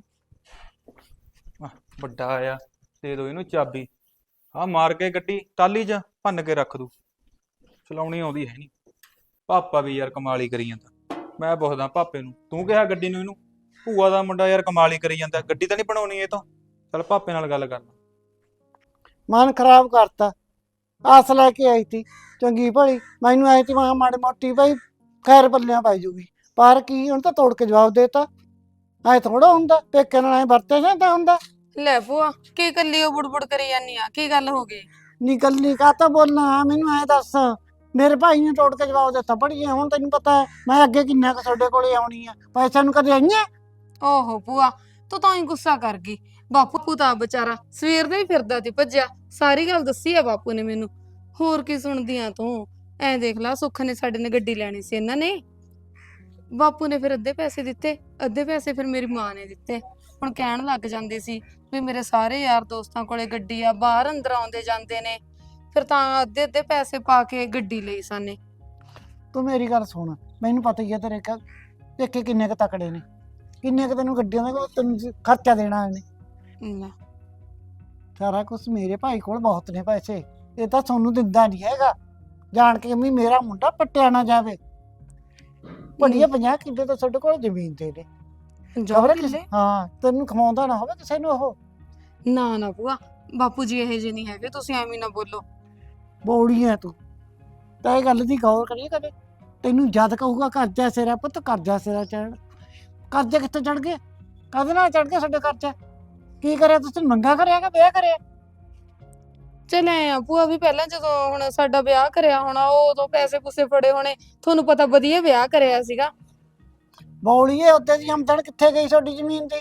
ਵੱਡਾ ਆਇਆ, ਦੇ ਦੋ ਇਹਨੂੰ ਚਾਬੀ। ਆ ਮਾਰ ਕੇ ਗੱਡੀ ਟਾਲੀ 'ਚ ਭੰਨ ਕੇ ਰੱਖ ਦੂ। ਚਲਾਉਣੀ ਆਉਂਦੀ ਹੈ ਨਹੀਂ। ਪਾਪਾ ਵੀ ਯਾਰ ਕਮਾਲ ਹੀ ਕਰੀ ਜਾਂਦਾ। ਮੈਂ ਪੁੱਛਦਾ ਪਾਪੇ ਨੂੰ, ਤੂੰ ਕਿਹਾ ਗੱਡੀ ਨੂੰ ਇਹਨੂੰ? ਭੂਆ ਦਾ ਮੁੰਡਾ ਯਾਰ ਕਮਾਲ ਹੀ ਕਰੀ ਜਾਂਦਾ, ਗੱਡੀ ਤਾਂ ਨਹੀਂ ਬਣਾਉਣੀ ਇਹ ਤੋਂ। ਚੱਲ ਪਾਪੇ ਨਾਲ ਗੱਲ ਕਰਨਾ। ਮਨ ਖਰਾਬ ਕਰਤਾ, ਆਸ ਲੈ ਕੇ ਆਈ ਤੀ ਚੰਗੀ ਭਲੀ, ਮੈਨੂੰ ਆਈ ਤੀ ਮਾਂ ਮਾੜੀ ਮੋਟੀ ਭਾਈ ਖੈਰ ਪੱਲਿਆਂ ਪਾਈ ਜੂਗੀ, ਪਰ ਕੀ ਹੁਣ ਤਾਂ ਤੋੜ ਕੇ ਜਵਾਬ ਦੇਤਾ। ਐ ਥੋੜਾ ਹੁੰਦਾ ਪੇਕੇ ਨਾਲ ਐ ਵਰਤੇ ਜਾਂਦਾ ਹੁੰਦਾ। ਲੈ ਭੂਆ ਕੀ ਕੱਲੀ ਉਹ ਬੁੜਬੁੜ ਕਰੀ ਜਾਨੀ ਆ, ਕੀ ਗੱਲ ਹੋ ਗਈ? ਨਿਕਲਨੀ ਕਾ ਤਾਂ ਬੋਲਣਾ ਮੈਨੂੰ ਐ ਦੱਸ। ਮੇਰੇ ਭਾਈ ਨੇ ਤੋੜ ਕੇ ਜਵਾਬ ਦਿੱਤਾ ਪੜੀਏ ਹੁਣ ਤੈਨੂੰ ਪਤਾ ਹੈ ਮੈਂ ਅੱਗੇ ਕਿੰਨਾ ਕੁ ਤੁਹਾਡੇ ਕੋਲੇ ਆਉਣੀ ਆ ਪੈਸਿਆਂ ਨੂੰ ਕਦੇ ਆਈਆਂ। ਓਹੋ ਭੂਆ ਤੂੰ ਤਾਂ ਹੀ ਗੁੱਸਾ ਕਰ ਗਈ। ਬਾਪੂ ਤਾਂ ਵਿਚਾਰਾ ਸਵੇਰ ਦਾ ਹੀ ਫਿਰਦਾ ਸੀ ਭੱਜਿਆ, ਸਾਰੀ ਗੱਲ ਦੱਸੀ ਆ ਬਾਪੂ ਨੇ ਮੈਨੂੰ। ਹੋਰ ਕੀ ਸੁਣਦੀ ਆ ਤੂੰ? ਐ ਦੇਖ ਲਾ ਸੁੱਖ ਨੇ ਸਾਡੇ ਨੇ ਗੱਡੀ ਲੈਣੀ ਸੀ, ਇਹਨਾਂ ਨੇ ਬਾਪੂ ਨੇ ਫਿਰ ਅੱਧੇ ਪੈਸੇ ਦਿੱਤੇ, ਅੱਧੇ ਪੈਸੇ ਫਿਰ ਮੇਰੀ ਮਾਂ ਨੇ ਦਿੱਤੇ। ਹੁਣ ਕਹਿਣ ਲੱਗ ਜਾਂਦੇ ਸੀ ਵੀ ਮੇਰੇ ਸਾਰੇ ਯਾਰ ਦੋਸਤਾਂ ਕੋਲੇ ਗੱਡੀ ਆ, ਬਾਹਰ ਅੰਦਰ ਆਉਂਦੇ ਜਾਂਦੇ ਨੇ, ਫਿਰ ਤਾਂ ਅੱਧੇ ਅੱਧੇ ਪੈਸੇ ਪਾ ਕੇ ਗੱਡੀ ਲਈ ਸਾਨੇ। ਤੂੰ ਮੇਰੀ ਗੱਲ ਸੁਣ, ਮੈਨੂੰ ਪਤਾ ਹੀ ਹੈ ਤੇਰੇ ਪੇਕੇ ਕਿੰਨੇ ਕੁ ਤਕੜੇ ਨੇ, ਕਿੰਨੇ ਕੁ ਤੈਨੂੰ ਗੱਡੀਆਂ ਦਾ ਤੈਨੂੰ ਖਰਚਾ ਦੇਣਾ ਇਹਨੇ। ਲੈ, ਸਾਰਾ ਕੁਝ ਮੇਰੇ ਭਾਈ ਕੋਲ ਬਹੁਤ ਨੇ ਪੈਸੇ, ਇਹ ਤਾਂ ਤੁਹਾਨੂੰ ਦਿੰਦਾ ਨਹੀਂ ਹੈਗਾ ਜਾਣ ਕੇ ਵੀ ਮੇਰਾ ਮੁੰਡਾ ਪੱਟਿਆ ਨਾ ਜਾਵੇ। ਬੜੀਆ 50 ਕਿੱਲੇ ਤਾਂ ਸਾਡੇ ਕੋਲ ਜ਼ਮੀਨ ਦੇ ਨੇ, ਖਬਰ ਕਿਸੇ ਹਾਂ ਤੈਨੂੰ ਖਵਾਉਂਦਾ ਨਾ ਹੋਵੇ ਕਿਸੇ ਨੂੰ ਉਹ। ਨਾ ਨਾ ਭੂਆ ਬਾਪੂ ਜੀ ਇਹੋ ਜਿਹੇ ਨਹੀਂ ਹੈਗੇ, ਤੁਸੀਂ ਐਵੇਂ ਨਾ ਬੋਲੋ। ਬੌੜੀਆਂ ਤੂੰ ਤਾਂ ਇਹ ਗੱਲ ਦੀ ਗੌਰ ਕਰੀਏ ਕਦੇ। ਤੈਨੂੰ ਜਦ ਕਹੂਗਾ ਕਰਜ਼ਾ ਸਿਰਾ ਪੁੱਤ ਕਰਜ਼ਾ ਸਿਰਾ ਚੜ, ਕਰਜ਼ਾ ਕਿੱਥੇ ਚੜ ਗਿਆ, ਕਦੇ ਨਾਲ ਚੜ ਗਿਆ ਸਾਡੇ ਕਰਜ਼ਾ। ਕੀ ਕਰਿਆ ਤੁਸੀਂ, ਮੰਗਾ ਕਰਿਆ ਕਿ ਵਿਆਹ ਕਰਿਆ? ਚੱਲ ਐ ਆ ਭੂਆ ਵੀ ਪਹਿਲਾਂ ਜਦੋਂ ਹੁਣ ਸਾਡਾ ਵਿਆਹ ਕਰਿਆ ਹੋਣਾ ਉਦੋਂ ਪੈਸੇ ਪੂਸੇ ਫੜੇ ਹੋਣੇ, ਤੁਹਾਨੂੰ ਪਤਾ ਵਧੀਆ ਵਿਆਹ ਕਰਿਆ ਸੀਗਾ। ਬੌੜੀਏ ਉੱਤੇ ਦੀ ਆਮਦਨ ਕਿੱਥੇ ਗਈ ਤੁਹਾਡੀ ਜ਼ਮੀਨ ਦੀ?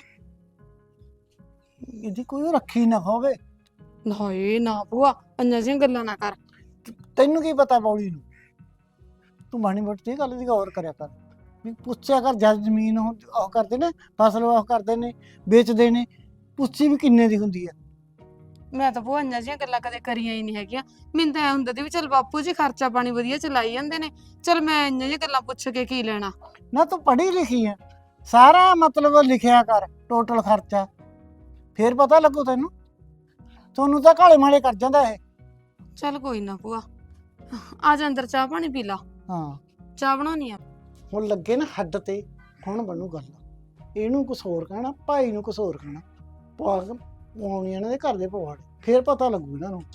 ਇਹਦੀ ਕੋਈ ਰੱਖੀ ਨਾ ਹੋਵੇ। ਹਾਏ ਨਾ ਭੂਆ ਅੰਨਾ ਜਿਹੀਆਂ ਗੱਲਾਂ ਨਾ ਕਰ। ਤੈਨੂੰ ਕੀ ਪਤਾ ਬੌੜੀ ਨੂੰ? ਤੂੰ ਮਾਣੀ ਮੋਟੀ ਗੱਲ ਦੀ ਗੌਰ ਕਰਿਆ ਕਰ, ਵੀ ਪੁੱਛਿਆ ਕਰ ਜਦ ਜ਼ਮੀਨ ਉਹ ਕਰਦੇ ਨੇ, ਫਸਲ ਉਹ ਕਰਦੇ ਨੇ, ਵੇਚਦੇ ਨੇ, ਪੁੱਛੀ ਵੀ ਕਿੰਨੇ ਦੀ ਹੁੰਦੀ ਹੈ। ਮੈਂ ਤਾਂ ਭੂਆ ਅੰਨਾ ਜਿਹੀਆਂ ਗੱਲਾਂ ਕਦੇ ਕਰੀਆਂ ਹੀ ਨਹੀਂ ਹੈਗੀਆਂ। ਮੈਨੂੰ ਤਾਂ ਐ ਹੁੰਦਾ ਸੀ ਵੀ ਚੱਲ ਬਾਪੂ ਜੀ ਖਰਚਾ ਪਾਣੀ ਵਧੀਆ ਚਲਾਈ ਜਾਂਦੇ ਨੇ, ਚੱਲ ਮੈਂ ਇੰਨੀਆਂ ਜਿਹੀਆਂ ਗੱਲਾਂ ਪੁੱਛ ਕੇ ਕੀ ਲੈਣਾ। ਨਾ ਤੂੰ ਪੜ੍ਹੀ ਲਿਖੀ ਹੈ, ਸਾਰਾ ਮਤਲਬ ਲਿਖਿਆ ਕਰ ਟੋਟਲ ਖਰਚਾ, ਫੇਰ ਪਤਾ ਲੱਗੂ ਤੈਨੂੰ। ਤੁਹਾਨੂੰ ਤਾਂ ਕਾਲੇ ਮਾਲੇ ਕਰ ਜਾਂਦਾ ਇਹ। ਚੱਲ ਕੋਈ ਨਾ ਭੂਆ, ਆ ਜਾ ਅੰਦਰ ਚਾਹ ਪਾਣੀ ਪੀ ਲਾ। ਹਾਂ ਚਾਹ ਬਣਾਉਣੀ ਆ। ਹੁਣ ਲੱਗੇ ਨਾ ਹੱਦ ਤੇ, ਹੁਣ ਬਣੂ ਗੱਲ। ਇਹਨੂੰ ਕੁਛ ਹੋਰ ਕਹਿਣਾ, ਭਾਈ ਨੂੰ ਕੁਛ ਹੋਰ ਕਹਿਣਾ, ਪਵਾਗ ਪਵਾਉਣੀ ਇਹਨਾਂ ਦੇ ਘਰ ਦੇ ਪਵਾੜ, ਫੇਰ ਪਤਾ ਲੱਗੂ ਇਹਨਾਂ ਨੂੰ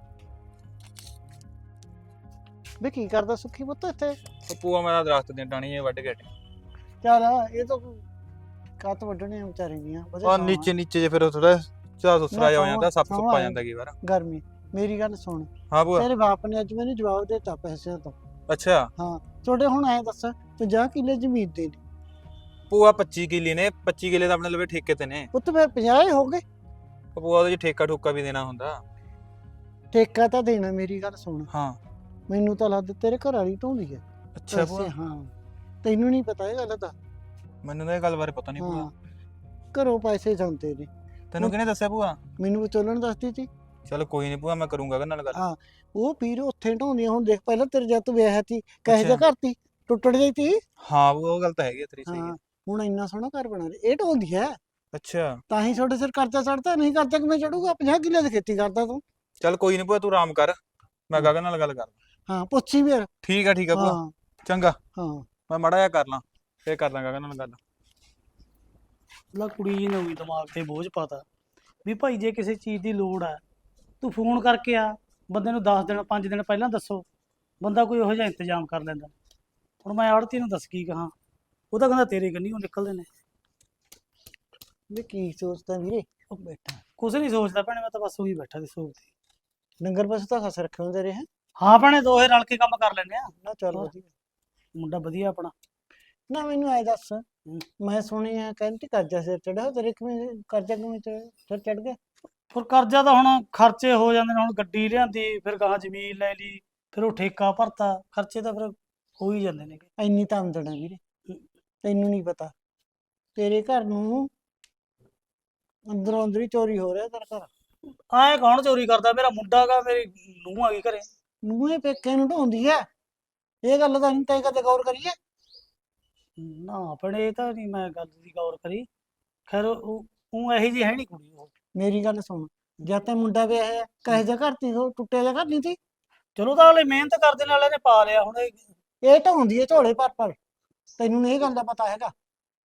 ਵੀ ਕੀ ਕਰਦਾ ਸੁੱਖੀ ਪੁੱਤ ਇੱਥੇ। ਉਹ ਭੂਆ ਮੇਰਾ ਦਰਖਤ ਦੀਆਂ ਟਾਹਣੀਆਂ ਵੱਢ ਕੇ ਹਟਿਆ। ਚੱਲ ਇਹ ਤਾਂ ਕੱਤ ਵੱਢਣੇ ਆ ਵਿਚਾਰੇ ਦੀਆਂ ਆ ਨੀਚੇ ਨੀਚੇ ਜੇ ਫਿਰ ਥੋੜਾ ਚਾਹ ਸੁਸਰਾ ਜਾ ਹੋ ਜਾਂਦਾ, ਸੱਪ ਸੁੱਪ ਆ ਜਾਂਦਾ ਕਈ ਵਾਰ। ਗਰਮੀ। ਮੇਰੀ ਗੱਲ ਸੁਣ, ਹਾਂ ਭੂਆ। ਤੇਰੇ ਬਾਪ ਨੇ ਅੱਜ ਮੈਨੂੰ ਜਵਾਬ ਦਿੱਤਾ ਪੈਸਿਆਂ ਤੋਂ। ਅੱਛਾ ਹਾਂ ਤੁਹਾਡੇ ਹੁਣ ਐ ਦੱਸ 50 ਕਿੱਲੇ ਜ਼ਮੀਨ ਦੇ ਨੇ ਭੂਆ, 25 ਕਿੱਲੇ ਨੇ, 25 ਕਿੱਲੇ ਤਾਂ ਆਪਣੇ ਲਵੇ ਠੇਕੇ ਤੇ ਨੇ। ਪੁੱਤ, ਫਿਰ 50 ਹੀ ਹੋ ਗਏ। ਉਹ ਭੂਆ ਉਹਦੇ ਚ ਠੇਕਾ ਠੁੱਕਾ ਵੀ ਦੇਣਾ ਹੁੰਦਾ। ਠੇਕਾ ਤਾਂ ਦੇਣਾ, ਮੇਰੀ ਗੱਲ ਸੁਣ, ਹਾਂ ਮੈਨੂੰ ਤਾਂ ਲੱਗਦਾ ਤੇਰੇ ਘਰ ਵਾਲੀ ਢੋਂਦੀ ਹੈ ਅੱਛਾ ਭੂਆ, ਪੈਸੇ। ਹਾਂ ਤੈਨੂੰ ਨਹੀਂ ਪਤਾ ਇਹ ਗੱਲ ਦਾ। ਮੈਨੂੰ ਤਾਂ ਇਹ ਗੱਲ ਬਾਰੇ ਪਤਾ ਨਹੀਂ ਭੂਆ। ਹਾਂ ਘਰੋਂ ਪੈਸੇ ਜਾਂਦੇ ਨੇ। ਤੈਨੂੰ ਕਿਹਨੇ ਦੱਸਿਆ ਭੂਆ? ਮੈਨੂੰ ਵਿਚੋਲਣ ਦੱਸਦੀ ਸੀ। ਚਲ ਕੋਈ ਨਹੀਂ ਭੂਆ, ਮੈਂ ਕਰੂੰਗਾ ਉਹਦੇ ਨਾਲ ਗੱਲ। ਹਾਂ ਉਹ ਪੀਰ ਉੱਥੇ ਢੋਂਦੀਆਂ। ਹੁਣ ਦੇਖ ਪਹਿਲਾਂ ਤੇਰੇ ਜਦ ਤੂੰ ਵਿਆਹਿਆ ਸੀ ਕਹੇ ਜਿਹਾ ਅੱਛਾ। ਘਰ ਤੀ, ਟੁੱਟੜ ਗਈ ਤੀ। ਹਾਂ ਭੂਆ, ਉਹ ਗੱਲ ਤਾਂ ਹੈਗੀ ਆ ਤੇਰੀ, ਸਹੀ ਹਾਂ ਹੈ। ਹੁਣ ਇੰਨਾ ਸੋਹਣਾ ਘਰ ਬਣਾ ਰਿਹਾ, ਇਹ ਢੋਂਦੀ ਹੈ ਅੱਛਾ ਤਾਂ ਹੀ ਤੁਹਾਡੇ ਸਿਰ ਕਰਜ਼ਾ ਚੜਦਾ। ਨਹੀਂ ਕਰਜ਼ਾ ਕਿਵੇਂ ਚੜੂਗਾ? 50 ਕਿੱਲੇ ਦੀ ਖੇਤੀ ਕਰਦਾ ਤੂੰ। ਚਲ ਕੋਈ ਨਹੀਂ ਭੂਆ, ਤੂੰ ਆਰਾਮ ਕਰ, ਮੈਂ ਗਗਨ ਨਾਲ ਗੱਲ ਕਰ। ਹਾਂ ਪੁੱਛੀ ਵੀ। ਠੀਕ ਆ ਭੂਆ, ਹਾਂ ਚੰਗਾ। ਹਾਂ ਮੈਂ ਮਾੜਾ ਜਿਹਾ ਕਰ ਲਾਂ, ਫੇਰ ਕਰ ਲਾਂ ਗਗਨ ਨਾਲ ਗੱਲ। ਲਾ ਕੁੜੀ ਜੀ ਨੇ ਵੀ ਦਿਮਾਗ ਤੇ ਬੋਝ ਪਾਤਾ ਵੀ ਭਾਈ ਜੇ ਕਿਸੇ ਚੀਜ਼ ਦੀ ਲੋੜ ਆ ਤੂੰ ਫੋਨ ਕਰਕੇ ਆ, ਬੰਦੇ ਨੂੰ 10 ਦਿਨ 5 ਦਿਨ ਪਹਿਲਾਂ ਦੱਸੋ, ਬੰਦਾ ਕੋਈ ਉਹੋ ਜਿਹਾ ਇੰਤਜ਼ਾਮ ਕਰ ਲੈਂਦਾ। ਹੁਣ ਮੈਂ ਆੜਤੀ ਨੂੰ ਦੱਸ ਕੀ ਕਹਾਂ, ਉਹ ਤਾਂ ਕਹਿੰਦਾ ਤੇਰੇ ਕੰਨੀ ਉਹ ਨਿਕਲਦੇ ਨੇ। ਵੀ ਕੀ ਸੋਚਦਾ ਵੀਰੇ? ਉਹ ਬੈਠਾ ਕੁਛ ਨਹੀਂ ਸੋਚਦਾ ਭੈਣੇ, ਮੈਂ ਤਾਂ ਬਸ ਉਹੀ ਬੈਠਾ ਤੇ ਸੋਚਦੀ। ਡੰਗਰ ਪਸ਼ੂ ਤਾਂ ਖਸ ਰੱਖੇ ਹੁੰਦੇ ਰਹੇ। ਹਾਂ ਭੈਣੇ, ਦੋਹੇ ਰਲ ਕੇ ਕੰਮ ਕਰ ਲੈਂਦੇ ਆ। ਨਾ ਚੱਲ ਹੋਰ। ਵਧੀਆ। ਮੁੰਡਾ ਵਧੀਆ ਆਪਣਾ। ਨਾ ਮੈਨੂੰ ਐ ਦੱਸ, ਮੈਂ ਸੁਣਿਆ ਕਹਿੰਦੀ ਕਰਜ਼ਾ ਸਿਰ ਚੜਿਆ, ਤੇਰੇ ਕਿਵੇਂ ਕਰਜ਼ਾ ਕਿਵੇਂ ਸਿਰ ਚੜ ਗਿਆ? ਫਿਰ ਕਰਜ਼ਾ ਤਾਂ ਹੁਣ ਖਰਚੇ ਹੋ ਜਾਂਦੇ ਨੇ। ਹੁਣ ਗੱਡੀ ਲਿਆਂਦੀ, ਫਿਰ ਗਾਹਾਂ ਜ਼ਮੀਨ ਲੈ ਲਈ, ਫਿਰ ਉਹ ਠੇਕਾ ਭਰਤਾ, ਖਰਚੇ ਤਾਂ ਫਿਰ ਹੋ ਹੀ ਜਾਂਦੇ ਨੇ। ਇੰਨੀ ਤਾਂ ਆਮਦਨ ਆ ਵੀਰੇ, ਤੈਨੂੰ ਨਹੀਂ ਪਤਾ। ਤੇਰੇ ਘਰ ਨੂੰ ਅੰਦਰੋਂ ਅੰਦਰ ਹੀ ਚੋਰੀ ਹੋ ਰਿਹਾ ਤੇਰਾ ਘਰ। ਆਏ ਕੌਣ ਚੋਰੀ ਕਰਦਾ? ਮੇਰਾ ਮੁੰਡਾ ਗਾ, ਮੇਰੀ ਨੂੰਹ ਆ ਗਈ ਘਰੇ। ਨੂੰਹ ਪੇਕੇ ਨੂੰ ਢੋਂਦੀ ਐ, ਇਹ ਗੱਲ ਤਾਂ ਨਹੀਂ ਤੈਂ ਕਦੇ ਗੌਰ ਕਰੀਏ? ਨਾ ਭੈਣੇ, ਇਹ ਤਾਂ ਨਹੀਂ ਮੈਂ ਗੱਲ ਦੀ ਗੌਰ ਕਰੀ। ਖੈਰ ਉਹ ਇਹੀ ਜੀ ਹੈ ਨਹੀਂ ਕੁੜੀ ਉਹ। ਮੇਰੀ ਗੱਲ ਸੁਣ, ਜਦ ਤੈਂ ਮੁੰਡਾ ਵਿਆਹਿਆ ਕਹੇ ਜਿਹਾ ਘਰ ਤੀ, ਉਹ ਟੁੱਟਿਆ ਜਿਹਾ ਘਰ ਨਹੀਂ ਤੀ। ਚਲੋ ਤਾਂ ਹਲੇ ਮਿਹਨਤ ਕਰਦੇ ਨਾਲ ਇਹਨੇ ਪਾ ਲਿਆ। ਹੁਣ ਇਹ ਢੋਂਦੀ ਐ ਝੋਲੇ ਭਰ। ਤੈਨੂੰ ਨਹੀਂ ਇਹ ਗੱਲ ਦਾ ਪਤਾ ਹੈਗਾ?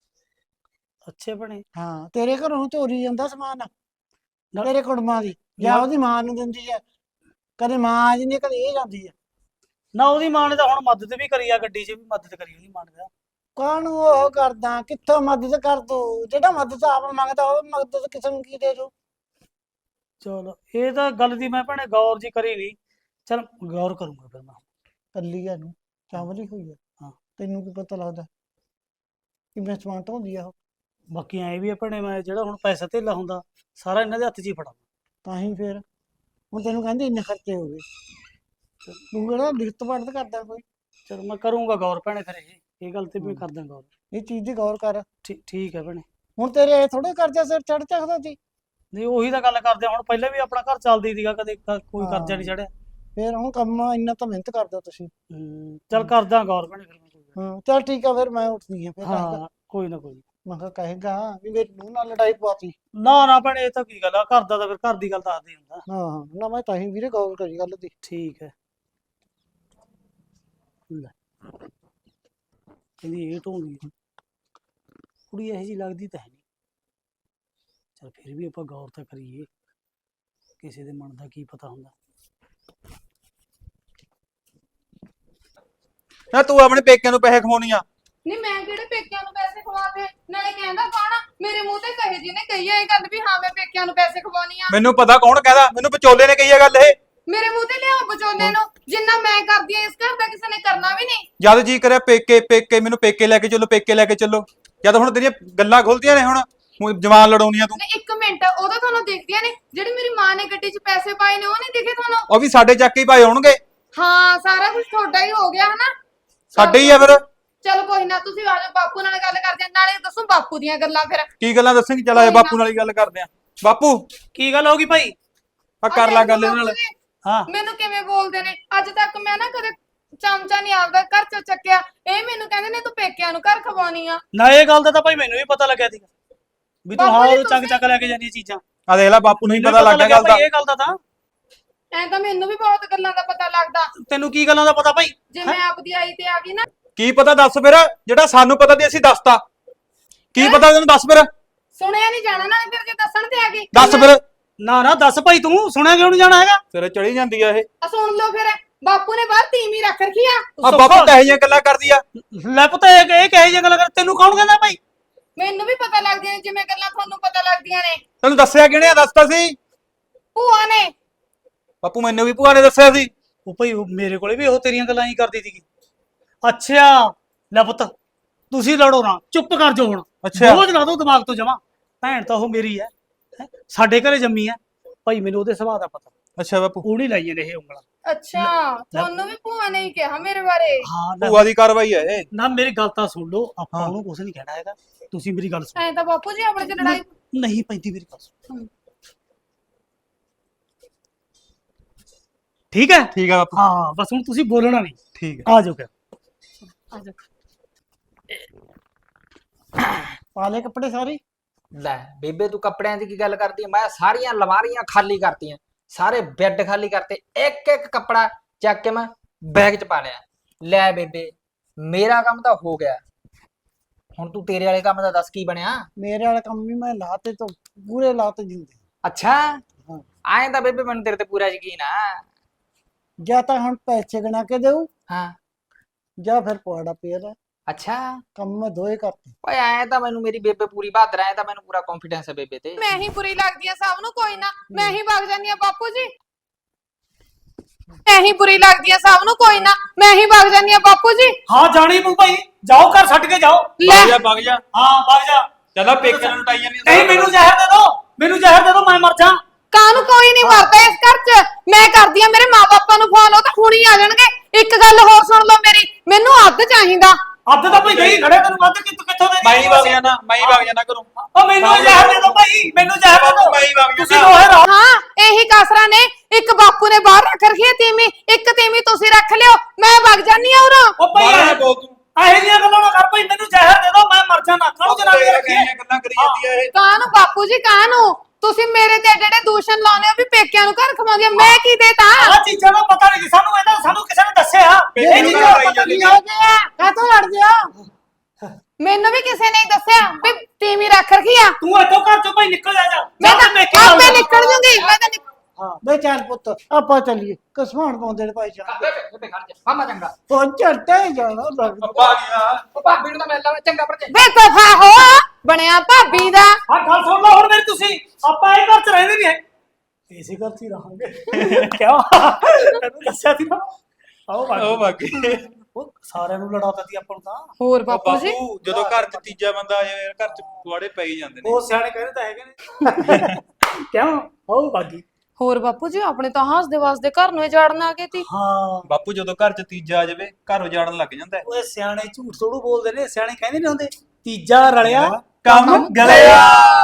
ਅੱਛੇ ਬਣੇ। ਹਾਂ ਤੇਰੇ ਘਰੋਂ ਚੋਰੀ ਜਾਂਦਾ ਸਮਾਨ, ਤੇਰੇ ਕੁੜਮਾਂ ਦੀ ਜਾਂ ਉਹਦੀ ਮਾਂ ਨੂੰ ਦਿੰਦੀ ਐ। ਕਦੇ ਮਾਂ ਆ ਜਾਂਦੀ, ਕਦੇ ਇਹ ਜਾਂਦੀ ਐ। ਨਾ ਉਹਦੀ ਮਾਂ ਨੇ ਤਾਂ ਹੁਣ ਮਦਦ ਵੀ ਕਰੀ ਆ, ਗੱਡੀ 'ਚ ਵੀ ਮਦਦ ਕਰੀ ਉਹਦੀ ਮਾਂ ਨੇ ਤਾਂ। ਕਾਹਨੂੰ ਉਹ ਕਰਦਾ, ਕਿੱਥੋਂ ਮਦਦ ਕਰ ਦੂ? ਜਿਹੜਾ ਮਦਦ ਆਪ ਮੰਗਦਾ ਉਹ ਮਦਦ ਕਿਸੇ ਨੂੰ ਕੀ ਦੇ ਦੂ? ਚਲ ਇਹ ਤਾਂ ਗੱਲ ਦੀ ਮੈਂ ਭੈਣੇ ਗੌਰ ਜੀ ਕਰੀ ਨਹੀਂ। ਚਲ ਗੌਰ ਕਰੂੰਗਾ ਫਿਰ ਮੈਂ। ਕੱਲੀ ਆ ਨੂੰ ਚਾਵਲ ਹੀ ਹੋਈ ਆ। ਹਾਂ। ਤੈਨੂੰ ਕੀ ਪਤਾ ਲੱਗਦਾ ਕਿਵੇਂ ਸਮਾਨ ਢੋਂਦੀ ਆ ਉਹ? ਬਾਕੀ ਐ ਵੀ ਆ ਭੈਣੇ, ਮੈਂ ਜਿਹੜਾ ਹੁਣ ਪੈਸਾ ਧੇਲਾ ਹੁੰਦਾ ਸਾਰਾ ਇਹਨਾਂ ਦੇ ਹੱਥ 'ਚ ਹੀ ਫੜਾ। ਤਾਂ ਹੀ ਫਿਰ ਹੁਣ ਤੈਨੂੰ ਕਹਿੰਦੇ ਇੰਨੇ ਖਰਚੇ ਹੋ ਗਏ, ਤੂੰ ਕਿਹੜਾ ਲਿਖਤ ਪੜਤ ਕਰਦਾ ਕੋਈ? ਚਲ ਮੈਂ ਕਰੂੰਗਾ ਗੌਰ ਭੈਣੇ, ਫਿਰ ਇਹ ਗੱਲ ਤੇ ਵੀ ਕਰਦਾ ਗੌਰ। ਇਹ ਚੀਜ਼ ਦੀ ਗੌਰ ਕਰ। ਠੀਕ ਹੈ ਭੈਣੇ। ਹੁਣ ਤੇਰੇ ਇਹ ਥੋੜੇ ਕਰਜ਼ਾ ਸਿਰ ਚੜ ਚੱਕਦਾ ਸੀ। ਨਹੀਂ ਉਹੀ ਤਾਂ ਗੱਲ ਕਰਦੇ ਆ, ਹੁਣ ਪਹਿਲਾਂ ਵੀ ਆਪਣਾ ਘਰ ਚੱਲਦੀ ਸੀਗਾ, ਕਦੇ ਕੋਈ ਕਰਜ਼ਾ ਨਹੀਂ ਚੜਿਆ। ਫਿਰ ਹੁਣ ਕੰਮ ਇੰਨਾ ਤਾਂ ਮਿਹਨਤ ਕਰਦਾ ਤੁਸੀਂ। ਚਲ ਕਰਦਾ ਗੌਰ ਭੈਣੇ ਫਿਰ ਮੈਂ। ਹਾਂ ਚੱਲ ਠੀਕ ਆ, ਫਿਰ ਮੈਂ ਉੱਠਦੀ ਆ। ਫਿਰ ਹਾਂ ਕੋਈ ਨਾ ਕੋਈ। ਮੈਂ ਕਿਹਾ ਕਹੇਗਾ ਵੀ ਮੇਰੀ ਨੂੰਹ ਨਾਲ ਲੜਾਈ ਪਵਾਤੀ। ਨਾ ਭੈਣੇ ਇਹ ਤਾਂ ਕੀ ਗੱਲ ਆ, ਘਰ ਦਾ ਤਾਂ ਫਿਰ ਘਰ ਦੀ ਗੱਲ ਦੱਸਦੇ ਹੁੰਦਾ। ਹਾਂ ਨਾ ਮੈਂ ਤਾਂ ਹੀ ਵੀਰੇ ਗੌਰ ਕਰੀ ਗੱਲ ਦੀ। ਠੀਕ ਹੈ। ਲੈ ਕਹਿੰਦੀ ਇਹ ਢੋਂਦੀ ਕੁੜੀ ਇਹੋ ਜਿਹੀ ਲੱਗਦੀ ਤਾਂ ਹੈ ਨਹੀਂ। ਚਲ ਫਿਰ ਵੀ ਆਪਾਂ ਗੌਰ ਤਾਂ ਕਰੀਏ, ਕਿਸੇ ਦੇ ਮਨ ਦਾ ਕੀ ਪਤਾ ਹੁੰਦਾ। ਨਾ ਤੂੰ ਆਪਣੇ ਪੇਕਿਆਂ ਨੂੰ ਪੈਸੇ ਖਵਾਉਣੀ ਆ? ਨਹੀਂ ਮੈਂ ਕਿਹੜੇ ਪੇਕਿਆਂ ਨੂੰ ਪੈਸੇ ਖਵਾਤੇ? ਨਾਲੇ ਕਹਿੰਦਾ ਕੌਣ ਆ? ਮੇਰੇ ਮੂੰਹ ਤੇ ਕਹੇ ਜੀ ਨੇ ਕਹੀ ਆ ਇਹ ਗੱਲ ਵੀ ਹਾਂ ਮੈਂ ਪੇਕਿਆਂ ਨੂੰ ਪੈਸੇ ਖਵਾਉਣੀ ਆ। ਮੈਨੂੰ ਪਤਾ ਕੌਣ ਕਹਿੰਦਾ, ਮੈਨੂੰ ਵਿਚੋਲੇ ਨੇ ਕਹੀ ਆ ਗੱਲ ਇਹ। ਮੇਰੇ ਮੂੰਹ ਤੇ ਲਿਆਓ ਵਿਚੋਲੇ ਨੂੰ, ਜਿੰਨਾ ਮੈਂ ਕਰਦੀ ਆ ਇਸ ਘਰ ਦਾ ਕਿਸੇ ਨੇ ਕਰਨਾ ਵੀ ਨਹੀਂ। ਜਦ ਜੀ ਕਰਿਆ ਪੇਕੇ ਪੇਕੇ, ਮੈਨੂੰ ਪੇਕੇ ਲੈ ਕੇ ਚੱਲੋ, ਪੇਕੇ ਲੈ ਕੇ ਚੱਲੋ। ਜਦ ਹੁਣ ਤੇਰੀਆਂ ਗੱਲਾਂ ਖੁੱਲਦੀਆਂ ਨੇ, ਹੁਣ ਜਵਾਨ ਲੜਾਉਣੀਆਂ ਤੂੰ। ਨਹੀਂ ਇੱਕ ਮਿੰਟ, ਉਦੋਂ ਤੁਹਾਨੂੰ ਦਿਖਦੀਆਂ ਨੇ ਜਿਹੜੀ ਮੇਰੀ ਮਾਂ ਨੇ ਗੱਡੀ 'ਚ ਪੈਸੇ ਪਾਏ ਨੇ, ਉਹ ਨਹੀਂ ਦਿਖੇ ਤੁਹਾਨੂੰ? ਉਹ ਵੀ ਸਾਡੇ ਚੱਕ ਹੀ ਪਾਏ ਹੋਣਗੇ। ਹਾਂ ਸਾਰਾ ਕੁਝ ਤੁਹਾਡਾ ਹੀ ਹੋ ਗਿਆ ਹਨਾ। ਸਾਡੇ ਹੀ ਆ ਫਿਰ। ਚਲ ਕੋਈ ਨਾ, ਤੁਸੀਂ ਆ ਜਾਓ ਬਾਪੂ ਨਾਲ ਗੱਲ ਕਰਦੇ ਆ, ਨਾਲੇ ਦੱਸੋ ਬਾਪੂ ਦੀਆਂ ਗੱਲਾਂ। ਫਿਰ ਕੀ ਗੱਲਾਂ ਦੱਸੇਂਗੀ? ਚੱਲ ਆਏ ਬਾਪੂ ਨਾਲ ਹੀ ਗੱਲ ਕਰਦੇ ਆ। ਬਾਪੂ ਕੀ ਗੱਲ ਹੋ ਗਈ ਭਾਈ? ਆ ਕਰ ਲੈ ਗੱਲ ਇਹਦੇ ਨਾਲ। ਹਾਂ ਮੈਨੂੰ ਕਿਵੇਂ ਬੋਲਦੇ ਨੇ? ਅੱਜ ਤੱਕ ਮੈਂ ਨਾ ਕਦੇ ਚਮਚਾ ਨਹੀਂ ਆਪਦਾ ਘਰ ਚ ਚੱਕਿਆ, ਇਹ ਮੈਨੂੰ ਕਹਿੰਦੇ ਨੇ ਤੂੰ ਪੇਕਿਆਂ ਨੂੰ ਘਰ ਖਵਾਉਣੀ ਆ। ਨਾ ਇਹ ਗੱਲ ਦਾ ਤਾਂ ਭਾਈ ਮੈਨੂੰ ਵੀ ਪਤਾ ਲੱਗਿਆ ਸੀਗਾ ਵੀ ਤੂੰ ਬਾਪੂ ਹਾਂ ਜੀ ਉਹ ਚੱਕ ਤੁਸੀਂ- ਲੈ ਕੇ ਜਾਂਦੀ ਚੀਜ਼ਾਂ। ਆ ਦੇਖ ਲੈ, ਬਾਪੂ ਨੂੰ ਹੀ ਮੈਨੂੰ ਪਤਾ ਲੱਗ ਗਿਆ ਗੱਲ ਦਾ। ਭਾਈ ਇਹ ਗੱਲ ਦਾ ਤਾਂ। ਐ ਤਾਂ ਮੈਨੂੰ ਵੀ ਬਹੁਤ ਗੱਲਾਂ ਦਾ ਪਤਾ ਲੱਗਦਾ। ਤੈਨੂੰ ਕੀ ਗੱਲਾਂ ਦਾ ਪਤਾ ਭਾਈ? ਜੇ ਮੈਂ ਆਪਦੀ ਆਈ ਤੇ ਆ ਗਈ ਨਾ। ਕੀ ਪਤਾ ਦੱਸ ਫਿਰ, ਜਿਹੜਾ ਸਾਨੂੰ ਪਤਾ ਤੇ ਅਸੀਂ ਦੱਸਤਾ। ਕੀ ਪਤਾ ਤੈਨੂੰ, ਦੱਸ ਫਿਰ। ਸੁਣਿਆ ਨਹੀਂ ਜਾਣਾ ਨਾਲੇ, ਫਿਰ ਜੇ ਦੱਸਣ ਤੇ ਆ ਗਈ ਦੱਸ ਫਿਰ। ਨਾ ਦੱਸ ਭਾਈ, ਤੂੰ ਸੁਣਿਆ ਕਿਉਂ ਨਹੀਂ ਜਾਣਾ ਹੈਗਾ? ਤੇਰੇ ਚੜੀ ਜਾਂਦੀ ਆ ਇਹ। ਆ ਸੁਣ ਲਓ ਫਿਰ, ਬਾਪੂ ਨੇ ਬਾਹਰ ਤੀਵੀਂ ਰੱਖ ਰੱਖੀ ਆ। ਆ ਬਾਪੂ ਤਾਂ ਇਹ ਜਿਹੀਆਂ ਗੱਲਾਂ ਕਰਦੀ ਆ। ਲੈ ਪੁੱਤ ਇਹ ਕਹੇ ਜੇ ਗੱਲ ਕਰ, ਤੈਨੂੰ ਕੌਣ ਕਹਿੰਦਾ ਭਾਈ? ਮੈਨੂੰ ਵੀ ਪਤਾ ਲੱਗਦੀਆਂ ਨੇ ਜਿਵੇਂ ਗੱਲਾਂ ਤੁਹਾਨੂੰ ਪਤਾ ਲੱਗਦੀਆਂ ਨੇ। ਤੈਨੂੰ ਦੱਸਿਆ ਕਿਹਨੇ ਆ? ਦੱਸਤਾ ਸੀ ਭੂਆ ਨੇ। ਬਾਪੂ, ਮੈਨੂੰ ਵੀ ਭੂਆ ਨੇ ਦੱਸਿਆ ਸੀ। ਉਹ ਭਾਈ ਮੇਰੇ ਕੋਲੇ ਵੀ ਉਹ ਤੇਰੀਆਂ ਗੱਲਾਂ ਹੀ ਕਰਦੀ ਸੀਗੀ। ਅੱਛਾ ਲੈ ਪੁੱਤ ਤੁਸੀਂ ਲੜੋ ਨਾ, ਚੁੱਪ ਕਰ ਜਾਓ ਹੁਣ। ਅੱਛਾ। ਬੋਝ ਲਾ ਦੋ ਦਿਮਾਗ ਤੋਂ ਜਮਾ। ਭੈਣ ਤਾਂ ਉਹ ਮੇਰੀ ਹੈ, ਸਾਡੇ ਘਰੇ ਜੰਮੀ ਹੈ ਭਾਈ, ਮੈਨੂੰ ਉਹਦੇ ਸੁਭਾਅ ਦਾ ਪਤਾ। ਅੱਛਾ ਬਾਪੂ। ਉਹ ਨਹੀਂ ਲਾਈਆਂ ਨੇ ਇਹ ਉਂਗਲਾਂ। ਅੱਛਾ ਤੁਹਾਨੂੰ ਵੀ ਭੂਆ ਨੇ ਹੀ ਕਿਹਾ ਮੇਰੇ ਬਾਰੇ? ਹਾਂ ਭੂਆ ਦੀ ਕਾਰਵਾਈ ਹੈ ਇਹ। ਨਾ ਮੇਰੀ ਗੱਲ ਤਾਂ ਸੁਣ ਲਓ, ਆਪਾਂ ਉਹਨੂੰ ਕੁਝ ਨਹੀਂ ਕਹਿਣਾ ਹੈਗਾ। ਤੁਸੀਂ ਮੇਰੀ ਗੱਲ ਸੁਣੋ। ਐ ਤਾਂ ਬਾਪੂ ਜੀ ਆਪਣੇ ਚ ਲੜਾਈ ਨਹੀਂ ਪੈਂਦੀ, ਮੇਰੀ ਗੱਲ ਸੁਣ। ਠੀਕ ਹੈ ਠੀਕ ਆ ਬਾਪੂ। ਹਾਂ ਬਸ ਹੁਣ ਤੁਸੀਂ ਬੋਲਣਾ ਨਹੀਂ। ਠੀਕ ਹੈ। ਆ ਜਾਓ ਫਿਰ। ਆ ਜਾ। ਪਾਲੇ ਕੱਪੜੇ ਸਾਰੇ? ਲੈ ਬੇਬੇ ਤੂੰ ਕੱਪੜਿਆਂ ਦੀ ਕੀ ਗੱਲ ਕਰਦੀ ਆਂ? ਮੈਂ ਸਾਰੀਆਂ ਅਲਮਾਰੀਆਂ ਖਾਲੀ ਕਰਤੀਆਂ, ਸਾਰੇ ਬੈੱਡ ਖਾਲੀ ਕਰਤੇ, ਇੱਕ ਇੱਕ ਕੱਪੜਾ ਚੱਕ ਕੇ ਮੈਂ ਬੈਗ 'ਚ ਪਾ ਲਿਆ। ਲੈ ਬੇਬੇ ਮੇਰਾ ਕੰਮ ਤਾਂ ਹੋ ਗਿਆ, ਹੁਣ ਤੂੰ ਤੇਰੇ ਵਾਲੇ ਕੰਮ ਦਾ ਦੱਸ ਕੀ ਬਣਿਆ? ਮੇਰੇ ਵਾਲਾ ਕੰਮ ਵੀ ਮੈਂ ਲਾਤੇ ਤੋਂ ਪੂਰੇ ਲਾਤੇ ਜਿੰਦੇ। ਅੱਛਾ ਹਾਂ। ਆਏ ਤਾਂ ਬੇਬੇ ਮੈਨੂੰ ਤੇਰੇ ਤੇ ਪੂਰਾ ਯਕੀਨ ਆ। ਜਾਂ ਤਾਂ ਹੁਣ ਪੈਸੇ ਗਣਾ ਕੇ ਦੇਊ, ਹਾਂ ਜਾਂ ਫਿਰ ਪਵਾੜਾ ਪਿਆ। ਅੱਛਾ ਕੰਮ ਮੈਂ ਦੋਏ ਕਰਤੇ। ਓਏ ਐ ਤਾਂ ਮੈਨੂੰ ਮੇਰੀ ਬੇਬੇ ਪੂਰੀ ਬਹਾਦਰ ਐ, ਤਾਂ ਮੈਨੂੰ ਪੂਰਾ ਕੌਨਫੀਡੈਂਸ ਹੈ ਬੇਬੇ ਤੇ। ਮੈਂ ਹੀ ਬੁਰੀ ਲੱਗਦੀ ਆ ਸਭ ਨੂੰ, ਕੋਈ ਨਾ ਮੈਂ ਹੀ ਵਗ ਜਾਂਦੀ ਆ ਬਾਪੂ ਜੀ। ਮੈਂ ਹੀ ਬੁਰੀ ਲੱਗਦੀ ਆ ਸਭ ਨੂੰ, ਕੋਈ ਨਾ ਮੈਂ ਹੀ ਵਗ ਜਾਂਦੀ ਆ ਬਾਪੂ ਜੀ। ਹਾਂ ਜਾਣੀ ਪਊ ਭਾਈ, ਜਾਓ ਘਰ ਛੱਡ ਕੇ ਜਾਓ। ਲੈ ਵਗ ਜਾ। ਹਾਂ ਵਗ ਜਾ। ਚੱਲ ਪੇਕੇ ਨੂੰ ਟਾਈ ਜਾਂਦੀ। ਨਹੀਂ ਮੈਨੂੰ ਜ਼ਹਿਰ ਦੇ ਦਿਓ, ਮੈਨੂੰ ਜ਼ਹਿਰ ਦੇ ਦਿਓ, ਮੈਂ ਮਰ ਜਾ। ਕਾਹਨੂੰ ਕੋਈ ਨਹੀਂ ਮਰਦਾ ਇਸ ਘਰ 'ਚ। ਮੈਂ ਕਰਦੀ ਆ ਮੇਰੇ ਮਾਪਿਆਂ ਨੂੰ ਫੋਨ, ਉਹ ਤਾਂ ਹੁਣੀ ਆ ਜਾਣਗੇ। ਇੱਕ ਗੱਲ ਹੋਰ ਸੁਣ ਲਓ ਮੇਰੀ, ਮੈਨੂੰ ਅੱਧ ਚਾਹੀਦਾ। ਅੱਧ ਤਾਂ ਭਾਈ ਗਈ ਖੜੇ, ਤੈਨੂੰ ਵੱਧ ਕਿੱਥੋਂ ਦੇ? ਮੈਂ ਹੀ ਵਗ ਜਾਣਾ, ਮੈਂ ਹੀ ਵਗ ਜਾਣਾ ਘਰੋਂ। ਉਹ ਮੈਨੂੰ ਜ਼ਹਿਰ ਦੇ ਦਿਓ ਭਾਈ, ਮੈਨੂੰ ਜ਼ਹਿਰ ਦੇ ਦਿਓ। ਮੈਂ ਹੀ ਵਗ ਤੁਸੀਂ ਜਾਣਾ। ਦੋਹੇ ਰਹੋ। ਹਾਂ ਇਹੀ ਕਾਸਰਾ ਨੇ, ਇੱਕ ਬਾਪੂ ਨੇ ਬਾਹਰ ਰੱਖ ਰੱਖੀ ਹੈ ਤੀਵੀਂ, ਇੱਕ ਤੀਵੀਂ ਤੁਸੀਂ ਰੱਖ ਲਿਓ, ਮੈਂ ਵਗ ਜਾਨੀ ਆ ਉਰੋਂ। ਉਹ ਭਾਈ ਬਾਹਰ ਨਾ ਬੋਲ ਤੂੰ। ਇਹੋ ਜਿਹੀਆਂ ਗੱਲਾਂ ਨਾ ਕਰ ਭਾਈ, ਮੈਨੂੰ ਜ਼ਹਿਰ ਦੇ ਦਿਓ, ਮੈਂ ਮਰ ਜਾਣਾ। ਕਾਹਨੂੰ ਜਨਾਨੀ ਰੱਖੀ ਹੈ? ਗੱਲਾਂ ਕਰੀ ਜਾਂਦੀ ਆ ਇਹ। ਕਾਹਨੂੰ ਬਾਪੂ ਜੀ ਕਾਹਨੂੰ? ਤੁਸੀਂ ਮੇਰੇ ਤੇ ਜਿਹੜੇ ਦੂਸ਼ਣ ਲਾਉਨੇ ਹੋ ਵੀ ਪੇਕਿਆਂ ਨੂੰ ਘਰ ਖਵਾਉਂਦੀ ਆ, ਮੈਂ ਕੀ ਦੇਤਾ? ਆਹ ਚੀਜ਼ਾਂ ਦਾ ਪਤਾ ਨਹੀਂ ਸਾਨੂੰ, ਇਹਦਾ ਸਾਨੂੰ ਕਿਸੇ ਨੇ ਦੱਸਿਆ। ਪੇਕੇ ਇਹ ਨੂੰ ਚੀਜ਼ਾਂ ਘਰ ਆਈ ਪਤਾ ਨਹੀਂ ਜਾਂਦੀ ਆ। ਕਾਹਤੋਂ ਲੜਦੇ ਆ? ਮੈਨੂੰ ਵੀ ਕਿਸੇ ਨੇ ਹੀ ਦੱਸਿਆ ਵੀ ਤੀਵੀਂ ਰੱਖ ਰੱਖੀ ਆ। ਤੂੰ ਇੱਥੋਂ ਘਰ ਚੋਂ ਭਾਈ ਨਿਕਲ ਜਾ। ਮੈਂ ਤਾਂ ਆਪੇ ਨਿਕਲ ਜੂੰਗੀ, ਮੈਂ ਤਾਂ ਹਾਂ ਬਈ ਚੱਲ ਪੁੱਤ ਆਪਾਂ ਚੱਲੀਏ ਕਸਮਾਨ ਪਾਉਂਦੇ ਨੇ ਭਾਈ ਜਾਨ ਬੇਬੇ ਖੜ ਜਾ ਮਾਮਾ ਚੰਗਾ ਉਹ ਝੱਟੇ ਹੀ ਜਾਣਾ ਲੱਗਦਾ ਅੱਪਾ ਗਿਆ ਉਹ ਭਾਬੀ ਨੂੰ ਤਾਂ ਮਿਲ ਲਾਂਗੇ ਚੰਗਾ ਭਰਜਾਈ ਵੇ ਦਫਾ ਹੋ ਬਣਿਆ ਭਾਬੀ ਦਾ ਹਾਂ ਗੱਲ ਸੁਣ ਲਓ ਹੁਣ ਮੇਰੀ ਤੁਸੀਂ ਆਪਾਂ ਇਹ ਘਰ ਚ ਰਹਿੰਦੇ ਨਹੀਂ ਹੈ ਇਸੇ ਘਰ ਚ ਹੀ ਰਹਾਂਗੇ ਕਿਉਂ ਤੈਨੂੰ ਦੱਸਿਆ ਸੀ ਨਾ ਆਓ ਉਹ ਬਾਕੀ ਬਾਕੀ ਉਹ ਸਾਰਿਆਂ ਨੂੰ ਲੜਾਤਾ ਸੀ ਆਪਾਂ ਨੂੰ ਤਾਂ ਹੋਰ ਉਹ ਬਾਪੂ ਜੀ ਬਾਪੂ ਜਦੋਂ ਘਰ 'ਚ ਤੀਜਾ ਬੰਦਾ ਆ ਜਾਵੇ ਘਰ 'ਚ ਪੁਆੜੇ ਪੈ ਹੀ ਜਾਂਦੇ ਨੇ ਉਹ ਸਿਆਣੇ ਕਹਿੰਦੇ ਤਾਂ ਹੈਗੇ ਨੇ ਕਿਉਂ ਆਓ ਬਾਕੀ ਹੋਰ ਬਾਪੂ ਜੀ ਆਪਣੇ ਤਾਂ ਹੱਸਦੇ ਵਸਦੇ ਘਰ ਨੂੰ ਜਾੜਨ ਆ ਗਏ ਤੀ ਹਾਂ ਬਾਪੂ ਜਦੋਂ ਘਰ 'ਚ ਤੀਜਾ ਆ ਜਾਵੇ ਘਰ ਉਜਾੜਨ ਲੱਗ ਜਾਂਦਾ ਹੈ। ਓਏ ਸਿਆਣੇ ਝੂਠ ਥੋੜੂ ਬੋਲਦੇ ਨੇ ਸਿਆਣੇ ਕਹਿੰਦੇ ਨੇ ਹੁੰਦੇ ਤੀਜਾ ਰਲਿਆ ਕੰਮ ਗਲਿਆ